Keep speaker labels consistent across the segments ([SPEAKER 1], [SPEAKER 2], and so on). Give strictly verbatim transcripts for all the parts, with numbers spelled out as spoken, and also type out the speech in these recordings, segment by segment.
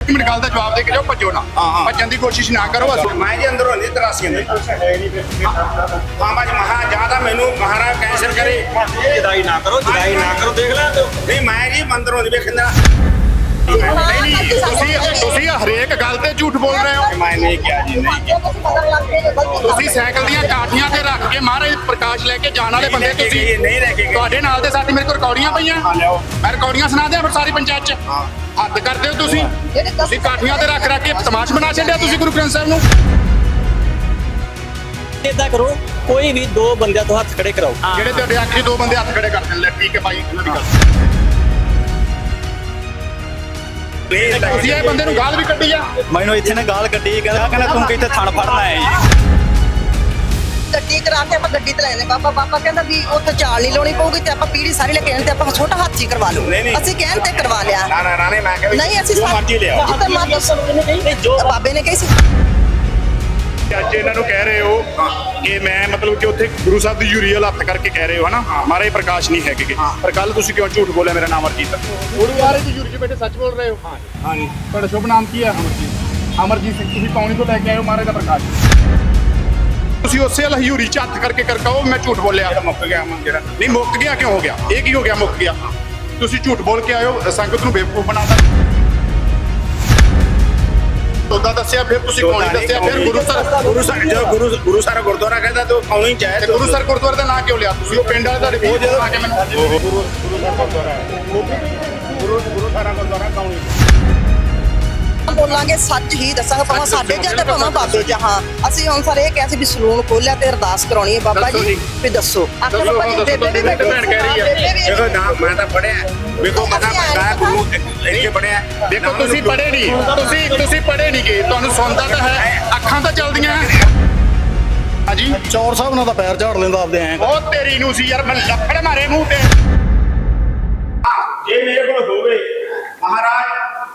[SPEAKER 1] ਇੱਕ ਮਿੰਟ ਗੱਲ ਦਾ ਜਵਾਬ ਦੇ ਕੇ ਜਾਓ, ਭੱਜੋ ਨਾ, ਭੱਜਣ ਦੀ ਕੋਸ਼ਿਸ਼ ਨਾ ਕਰੋ। ਬਸ
[SPEAKER 2] ਮੈਂ ਜੀ ਅੰਦਰੋਂ ਨਹੀਂ ਤਰਾਸੀਆਂ ਦੇ ਹਾਂ ਬਾਜ ਮਹਾ ਜਿਆਦਾ ਮੈਨੂੰ ਮਹਾਰਾਜ ਕੈਂਸਰ ਕਰੇ
[SPEAKER 3] ਜਦਾਈ ਨਾ ਕਰੋ, ਜਦਾਈ ਨਾ ਕਰੋ, ਦੇਖ ਲੈ
[SPEAKER 2] ਨਹੀਂ ਮੈਂ ਜੀ ਅੰਦਰੋਂ ਨਹੀਂ ਵੇਖਦਾ।
[SPEAKER 1] ਨਹੀਂ ਨਹੀਂ ਤੁਸੀਂ ਤੁਸੀਂ ਹਰੇਕ ਗੱਲ ਤੇ ਝੂਠ ਬੋਲ ਰਹੇ ਹੋ।
[SPEAKER 2] ਮੈਂ ਨਹੀਂ ਕਿਹਾ ਜੀ, ਨਹੀਂ ਕਿਹਾ।
[SPEAKER 1] ਤੁਸੀਂ ਸਾਈਕਲ ਦੀਆਂ ਕਾਠੀਆਂ ਤੇ ਰੱਖ ਕੇ ਮਹਾਰਾਜ ਪ੍ਰਕਾਸ਼ ਲੈ ਕੇ ਜਾਣ ਵਾਲੇ ਬੰਦੇ ਤੁਸੀਂ
[SPEAKER 2] ਨਹੀਂ ਲੈ ਕੇ ਗਏ।
[SPEAKER 1] ਤੁਹਾਡੇ ਨਾਲ ਦੇ ਸਾਥੀ ਮੇਰੇ ਕੋਲ ਰਿਕਾਰਡੀਆਂ ਪਈਆਂ, ਮੈਂ ਰਿਕਾਰਡੀਆਂ ਸੁਣਾ ਦਿਆਂ ਫਿਰ ਸਾਰੀ ਪੰਚਾਇਤ ਚ। ਹੱਦ ਕਰਦੇ ਹੋ ਤੁਸੀਂ ਤੁਸੀਂ ਕਾਠੀਆਂ ਤੇ ਰੱਖ ਰੱਖ ਕੇ ਤਮਾਸ਼ ਬਣਾ ਛੱਡਿਆ ਤੁਸੀਂ ਗੁਰੂ ਗ੍ਰੰਥ ਸਾਹਿਬ ਨੂੰ।
[SPEAKER 4] ਇਦਾਂ ਕਰੋ, ਕੋਈ ਵੀ ਦੋ ਬੰਦਿਆਂ ਤੋਂ ਹੱਥ ਖੜੇ ਕਰਾਓ।
[SPEAKER 1] ਜਿਹੜੇ ਤੁਹਾਡੇ ਆਖਰੀ ਦੋ ਬੰਦੇ ਹੱਥ ਖੜੇ ਕਰ ਦੇਣ ਲੈ, ਠੀਕ ਹੈ ਭਾਈ, ਉਹਨਾਂ ਦੀ ਗੱਲ। ਤੁਸੀਂ ਇਹ ਬੰਦੇ ਨੂੰ ਗਾਲ ਵੀ ਕੱਢੀ ਆ।
[SPEAKER 4] ਮੈਨੂੰ ਇੱਥੇ ਨੇ ਗਾਲ ਕੱਢੀ, ਕਹਿੰਦਾ ਕਹਿੰਦਾ ਤੂੰ ਕਿੱਥੇ ਥਣ ਫੜਨਾ ਹੈ ਜੀ।
[SPEAKER 5] ਗੱਡੀ ਕਰਾ ਕੇ ਆਪਾਂ ਗੱਡੀ ਤੇ ਲੈਣੇ ਬਾਬਾ ਬਾਬਾ ਕਹਿੰਦਾ ਵੀ ਉੱਥੇ ਚਾਲ ਨਹੀਂ ਲਾਉਣੀ ਪਊਗੀ ਤੇ ਆਪਾਂ ਪੀੜੀ ਸਾਰੀ ਲੈ ਕੇ ਆਣ ਤੇ ਆਪਾਂ ਛੋਟਾ ਹਾਥੀ ਕਰਵਾ ਲਓ। ਅਸੀਂ ਕਹਿਣ ਤੇ ਕਰਵਾ ਲਿਆ।
[SPEAKER 2] ਨਾ ਨਾ ਨਾ ਨਹੀਂ ਮੈਂ ਕਿਹਾ
[SPEAKER 5] ਨਹੀਂ ਅਸੀਂ
[SPEAKER 2] ਜੋ ਮਰਜ਼ੀ ਲਿਆਓ।
[SPEAKER 5] ਜਿੱਦਾਂ ਮਰਜ਼ੀ ਦੱਸੋ ਨਹੀਂ ਜੋ ਬਾਬੇ ਨੇ ਕਹੀ ਸੀ।
[SPEAKER 1] ਅੱਜ ਇਹਨਾਂ ਨੂੰ ਕਹਿ ਰਹੇ ਹੋ ਕਿ ਮੈਂ ਮਤਲਬ ਕਿ ਉੱਥੇ ਗੁਰੂ ਸਾਹਿਬ ਦੀ ਯੂਰੀਅਲ ਹੱਥ ਕਰਕੇ ਕਹਿ ਰਹੇ ਹੋ ਹਨਾ, ਮਹਾਰਾਜ ਪ੍ਰਕਾਸ਼ ਨਹੀਂ ਹੈਗੇ। ਪਰ ਕੱਲ ਤੁਸੀਂ ਕਿਉਂ ਝੂਠ ਬੋਲਿਆ ਮੇਰਾ ਨਾਮ ਅਰਜੀਤ? ਗੁਰੂ ਮਹਾਰਾਜ ਦੀ ਯੂਰੀ ਚ ਬੈਠੇ ਸੱਚ ਬੋਲ ਰਹੇ ਹੋ। ਹਾਂ ਜੀ। ਤੁਹਾਡਾ ਸ਼ੁਭ ਨਾਮ ਕੀ ਹੈ? ਅਮਰਜੀਤ। ਅਮਰਜੀਤ ਸਿੰਘ। ਤੁਸੀਂ ਪੌਣੀ ਤੋਂ ਲੈ ਕੇ ਆਏ ਹੋ ਮਹਾਰਾਜ ਦਾ ਪ੍ਰਕਾਸ਼। ਤੁਸੀਂ ਉਸੇ ਹਯੂਰੀ ਚ ਹੱਥ ਕਰਕੇ ਕਰਕਾਓ ਮੈਂ ਝੂਠ ਬੋਲਿਆ।
[SPEAKER 2] ਮੁੱਕ ਗਿਆ ਅਮਨ ਜਿਹੜਾ
[SPEAKER 1] ਨਹੀਂ ਮੁੱਕ ਗਿਆ ਕਿਉਂ ਹੋ ਗਿਆ? ਇਹ ਕੀ ਹੋ ਗਿਆ ਮੁੱਕ ਗਿਆ? ਤੁਸੀਂ ਝੂਠ ਬੋਲ ਕੇ ਆਇਓ, ਸੰਗਤ ਨੂੰ ਬੇਵਕੂਫ ਬਣਾਤਾ। ਉਦਾਂ ਦੱਸਿਆ ਫਿਰ ਤੁਸੀਂ ਕੌਣ ਦੱਸਿਆ? ਫਿਰ ਗੁਰੂ ਸਰ
[SPEAKER 2] ਗੁਰੂ ਸਰ ਜੋ ਗੁਰੂ ਗੁਰੂ ਸਰ ਗੁਰਦੁਆਰਾ ਕਹਿੰਦਾ ਤੂੰ ਕੌਣ ਹੀ ਚਾਹੇ।
[SPEAKER 1] ਗੁਰੂ ਸਰ ਗੁਰਦੁਆਰੇ ਦਾ ਨਾਂ ਕਿਉਂ ਲਿਆ ਤੁਸੀਂ? ਉਹ ਪਿੰਡ ਵਾਲੇ ਤੁਹਾਡੇ ਵੀਰ ਜਦੋਂ ਆ ਕੇ ਮੈਨੂੰ
[SPEAKER 2] ਗੁਰੂ ਗੁਰੂ ਸਰ ਗੁਰਦੁਆਰਾ ਗੁਰੂ ਗੁਰੂ ਸਾਰਾ ਗੁਰਦੁਆਰਾ ਕੌਣ ਹੀ
[SPEAKER 5] ਬੋਲਾਂਗੇ ਸੱਚ ਹੀ ਦੱਸਾਂਗੇ, ਭਾਵੇਂ ਸਾਡੇ ਜਾਂ ਤੇ ਭਾਵੇਂ ਬਾਬੇ ਜਾਂ। ਹਾਂ ਅਸੀਂ ਹੁਣ ਸਾਰੇ ਇਹ ਕਿਹਾ ਸੀ ਵੀ ਸਲੂਨ ਖੋਲਿਆ ਤੇ ਅਰਦਾਸ ਕਰਾਉਣੀ ਹੈ ਬਾਬਾ ਜੀ ਵੀ ਦੱਸੋ। ਆਖਰ ਬਾਬਾ ਜੀ ਬੇਬੇ ਵੀ ਬੈਠੀ
[SPEAKER 1] ਭੈਣ ਕਹਿ ਰਹੀ ਹੈ।
[SPEAKER 2] ਦੇਖੋ ਨਾ ਮੈਂ ਤਾਂ ਪੜਿਆ ਵੇਖੋ ਮੈਂ ਤਾਂ ਮੈਂ ਗੁਰੂ ਇੱਥੇ ਪੜਿਆ।
[SPEAKER 1] ਦੇਖੋ ਤੁਸੀਂ ਪੜ੍ਹੇ ਨਹੀਂ, ਤੁਸੀਂ ਤੁਸੀਂ ਪੜ੍ਹੇ ਨਹੀਂ ਗਏ, ਤੁਹਾਨੂੰ ਸੁਣਦਾ ਤਾਂ ਹੈ, ਅੱਖਾਂ ਤਾਂ ਚੱਲਦੀਆਂ ਹੈ। ਹਾਂਜੀ
[SPEAKER 4] ਚੌਰ ਸਾਹਿਬ ਨਾਲ ਤਾਂ ਪੈਰ ਝਾੜ ਲੈਂਦਾ ਆਪਦੇ ਐਂ।
[SPEAKER 1] ਉਹ ਤੇਰੀ ਨੂੰ ਸੀ ਯਾਰ, ਮੈਂ ਲੱਫੜ ਮਾਰੇ ਮੂੰਹ ਤੇ।
[SPEAKER 2] ਜੇ ਮੇਰੇ ਕੋਲ ਹੋਵੇ ਮਹਾਰਾਜ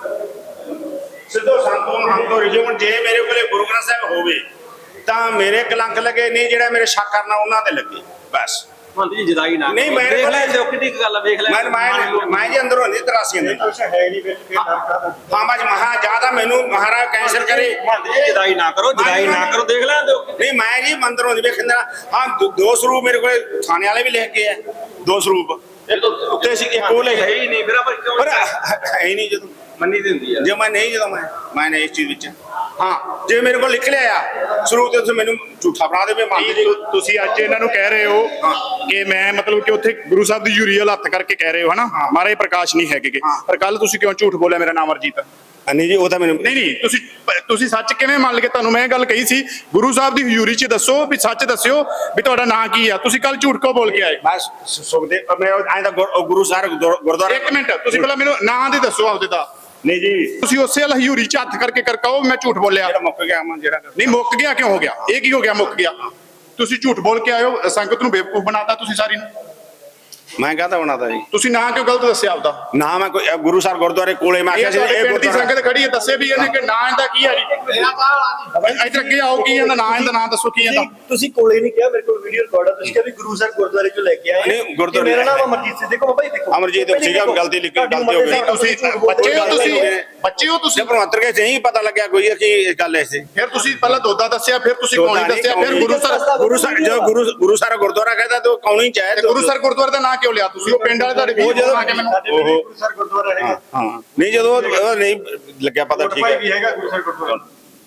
[SPEAKER 2] ਸਿੱਧੋ ਸੰਤੋਂ ਹਮ ਤੋਂ ਰਿਜਵਨ, ਜੇ ਮੇਰੇ ਕੋਲੇ ਗੁਰੂ ਗ੍ਰੰਥ ਸਾਹਿਬ ਹੋਵੇ ਤਾਂ ਮੇਰੇ ਕਲੰਕ ਲੱਗੇ ਨਹੀਂ, ਜਿਹੜਾ ਮੇਰੇ ਸ਼ੱਕ ਕਰਨਾ ਉਹਨਾਂ ਤੇ ਲੱਗੇ ਬਸ।
[SPEAKER 3] ਮੰਤਰੀ ਜੀ ਜਦਾਈ ਨਾ
[SPEAKER 2] ਨਹੀਂ ਮੇਰੇ
[SPEAKER 3] ਦੇਖ
[SPEAKER 2] ਕੋਲ
[SPEAKER 3] ਲੈ ਜੋ ਕਿੰਨੀ ਕੁ ਗੱਲ ਆ, ਵੇਖ ਲੈ
[SPEAKER 2] ਮੈਂ ਮੈਂ ਮੈਂ ਜੀ ਅੰਦਰੋਂ ਨਹੀਂ ਤਰਾਸੀਆਂ ਦੇ
[SPEAKER 3] ਕੁਛ ਹੈ ਨਹੀਂ ਵਿੱਚ ਫਿਰ
[SPEAKER 2] ਹਾਂ ਬਾਜ ਮਹਾ ਜਿਆਦਾ ਮੈਨੂੰ ਮਹਾਰਾਜ ਕੈਂਸਰ ਕਰੇ
[SPEAKER 3] ਮੰਤਰੀ ਜੀ ਜਦਾਈ ਨਾ ਕਰੋ, ਜਦਾਈ ਨਾ ਕਰੋ, ਦੇਖ ਲੈ
[SPEAKER 2] ਨਹੀਂ ਮੈਂ ਜੀ ਮੰਦਰੋਂ ਨਹੀਂ ਵੇਖਦਾ। ਹਾਂ ਦੋ- ਦੋ ਸਰੂਪ ਮੇਰੇ ਕੋਲ ਥਾਣੇ ਵਾਲੇ ਵੀ ਲਿਖ ਕੇ ਆ, ਦੋ ਸਰੂਪ ਉੱਤੇ ਸੀ ਇੱਕ ਉਹ ਲਿਖ
[SPEAKER 3] ਹੈ ਹੀ ਨਹੀਂ, ਫਿਰ ਆਪਾਂ ਕਿਉਂ
[SPEAKER 2] ਪਰ ਹੈ ਹੀ ਨਹੀਂ ਜਦੋਂ
[SPEAKER 3] ਮੰਨੀ ਦੀ ਹੁੰਦੀ ਆ।
[SPEAKER 2] ਜੇ ਮੈਂ ਨਹੀਂ ਜਦੋਂ ਮੈਂ ਮੈਂ ਨਹੀਂ ਇਸ ਚੀਜ਼ ਵਿੱਚ ਹਾਂ ਜੇ ਮੇਰੇ ਕੋਲ ਲਿਖ ਲਿਆ ਆ ਸਰੂਪ ਤੇ ਤੁਸੀਂ ਮੈਨੂੰ ਝੂਠਾ ਬਣਾ ਦੇਵੇ ਮੰਨ ਜੀ।
[SPEAKER 1] ਤੁਸੀਂ ਅੱਜ ਇਹਨਾਂ ਨੂੰ ਕਹਿ ਰਹੇ ਹੋ ਕਿ ਮੈਂ ਮਤਲਬ ਕਿ ਉੱਥੇ ਗੁਰੂ ਸਾਹਿਬ ਦੀ ਯੂਰੀਅਲ ਹੱਥ ਕਰਕੇ ਕਹਿ ਰਹੇ ਹੋ ਹਨਾ, ਮਹਾਰਾਜ ਪ੍ਰਕਾਸ਼ ਨਹੀਂ ਹੈਗੇ। ਪਰ ਕੱਲ ਤੁਸੀਂ ਕਿਉਂ ਝੂਠ ਬੋਲਿਆ ਮੇਰਾ ਨਾਮ ਅਰਜੀਤ?
[SPEAKER 2] ਨਹੀਂ ਜੀ ਉਹ ਤਾਂ ਮੈਨੂੰ
[SPEAKER 1] ਨਹੀਂ ਨਹੀਂ ਤੁਸੀਂ ਤੁਸੀਂ ਸੱਚ ਕਿਵੇਂ ਮੰਨ ਲਗੇ? ਤੁਹਾਨੂੰ ਮੈਂ ਇਹ ਗੱਲ ਕਹੀ ਸੀ ਗੁਰੂ ਸਾਹਿਬ ਦੀ ਹਜ਼ੂਰੀ 'ਚ ਦੱਸੋ ਵੀ ਸੱਚ ਦੱਸਿਓ ਵੀ ਤੁਹਾਡਾ ਨਾਂ ਕੀ ਆ। ਤੁਸੀਂ ਕੱਲ ਝੂਠ ਕਿਉਂ ਬੋਲ ਕੇ ਆਏ?
[SPEAKER 2] ਬਸ ਸੁਖਦੇ ਮੈਂ ਐਂ ਤਾਂ ਗੁਰੂ ਸਾਹਿਬ ਗੁਰਦੁਆਰਾ।
[SPEAKER 1] ਇੱਕ ਮਿੰਟ ਤੁਸੀਂ ਪਹਿਲਾਂ ਮੈਨੂੰ ਨਾਂ ਦੀ ਦੱਸੋ ਆਪਦੇ ਦਾ।
[SPEAKER 2] ਨਹੀਂ ਜੀ
[SPEAKER 1] ਤੁਸੀਂ ਉਸੇ ਹਜ਼ੂਰੀ 'ਚ ਹੱਥ ਕਰਕੇ ਕਰਕਾਓ ਮੈਂ ਝੂਠ ਬੋਲਿਆ।
[SPEAKER 2] ਜਿਹੜਾ ਮੁੱਕ ਗਿਆ ਅਮਨ ਜਿਹੜਾ
[SPEAKER 1] ਨਹੀਂ ਮੁੱਕ ਗਿਆ ਕਿਉਂ ਹੋ ਗਿਆ? ਇਹ ਕੀ ਹੋ ਗਿਆ ਮੁੱਕ ਗਿਆ? ਤੁਸੀਂ ਝੂਠ ਬੋਲ ਕੇ ਆਇਓ, ਸੰਗਤ ਨੂੰ ਬੇਵਕੂਫ ਬਣਾਤਾ ਤੁਸੀਂ ਸਾਰੀ ਨੂੰ।
[SPEAKER 2] ਮੈਂ ਕਹਤਾ ਬਣਾਤਾ ਜੀ
[SPEAKER 1] ਤੁਸੀਂ ਨਾਂ ਕਿਉਂ ਗਲਤ ਦੱਸਿਆ ਆਪਦਾ?
[SPEAKER 2] ਨਾ ਮੈਂ ਕੋਈ ਗੁਰੂ ਸਾਹਿਬ ਗੁਰਦੁਆਰੇ ਕੋਲੇ ਮੈਂ
[SPEAKER 1] ਇਹ
[SPEAKER 2] ਕਿਹਾ ਸੀ
[SPEAKER 1] ਤੁਹਾਡੇ
[SPEAKER 2] ਇਹ
[SPEAKER 1] ਪਿੰਡ ਦੀ
[SPEAKER 2] ਗੁਰਦੁਆਰਾ
[SPEAKER 1] ਸੰਗਤ ਖੜੀ ਹੈ, ਦੱਸੇ ਵੀ ਇਹਨੇ ਕਿ ਨਾਂ ਇਹਦਾ ਕੀ ਹੈ ਜੀ? ਇੱਧਰ ਅੱਗੇ ਆਓ, ਕੀ ਇਹਦਾ ਨਾਂ? ਇਹਦਾ ਨਾਂ ਦੱਸੋ ਕੀ ਇਹਦਾ?
[SPEAKER 6] ਤੁਸੀਂ ਕੋਲੇ ਨਹੀਂ ਕਿਹਾ, ਮੇਰੇ ਕੋਲ ਵੀਡੀਓ ਰਿਕਾਰਡ ਆ। ਤੁਸੀਂ ਕਿਹਾ ਵੀ ਗੁਰੂ ਸਾਹਿਬ ਗੁਰਦੁਆਰੇ ਚੋਂ ਲੈ ਕੇ ਆਏ।
[SPEAKER 2] ਨਹੀਂ, ਗੁਰਦੁਆਰੇ
[SPEAKER 6] ਮੇਰਾ ਨਾਮ ਅਮਰਜੀਤ ਸਿੰਘ। ਦੇਖੋ ਬਾਬਾ ਜੀ ਦੇਖੋ
[SPEAKER 2] ਅਮਰਜੀਤ ਸੀਗਾ, ਗਲਤੀ ਲਿਖੀ, ਗਲਤੀ ਹੋ ਗਈ।
[SPEAKER 1] ਤੁਸੀਂ ਬੱਚੇ ਹੋ, ਤੁਸੀਂ ਬੱਚੇ ਹੋ ਤੁਸੀਂ।
[SPEAKER 2] ਜੇ ਭਗਵੰਤਰ ਕੇ ਨਹੀਂ ਪਤਾ ਲੱਗਿਆ ਕੋਈ ਕਿ ਇਹ ਗੱਲ ਐਸੀ।
[SPEAKER 1] ਫਿਰ ਤੁਸੀਂ ਪਹਿਲਾਂ ਦੋਦਾ ਦੱਸਿਆ, ਫਿਰ ਤੁਸੀਂ ਕੌਣੀ ਦੱਸਿਆ, ਫਿਰ ਗੁਰੂ ਸਰ
[SPEAKER 2] ਗੁਰੂ ਸਰ ਜੋ ਗੁਰੂ ਗੁਰੂ ਸਰ ਗੁਰਦੁਆਰਾ ਕਹਿੰਦਾ ਤੂੰ ਕੌਣ ਹੀ ਚਾਹੇ।
[SPEAKER 1] ਗੁਰੂ ਸਰ ਗੁਰਦੁਆਰੇ ਦਾ ਨਾਂ ਕਿਉਂ ਲਿਆ ਤੁਸੀਂ? ਉਹ ਪਿੰਡ ਵਾਲੇ ਤੁਹਾਡੇ ਵੀਰ ਆ ਕੇ ਮੈਨੂੰ
[SPEAKER 6] ਗੁਰੂ ਸਰ ਗੁਰਦੁਆਰਾ ਹੈਗਾ।
[SPEAKER 2] ਹਾਂ ਨਹੀਂ ਜਦੋਂ ਉਹ ਨਹੀਂ ਲੱਗਿਆ ਪਤਾ ਠੀਕ ਹੈ
[SPEAKER 6] ਵੀ ਹੈਗਾ ਗੁਰੂ ਸਰ ਗੁਰਦੁਆਰਾ।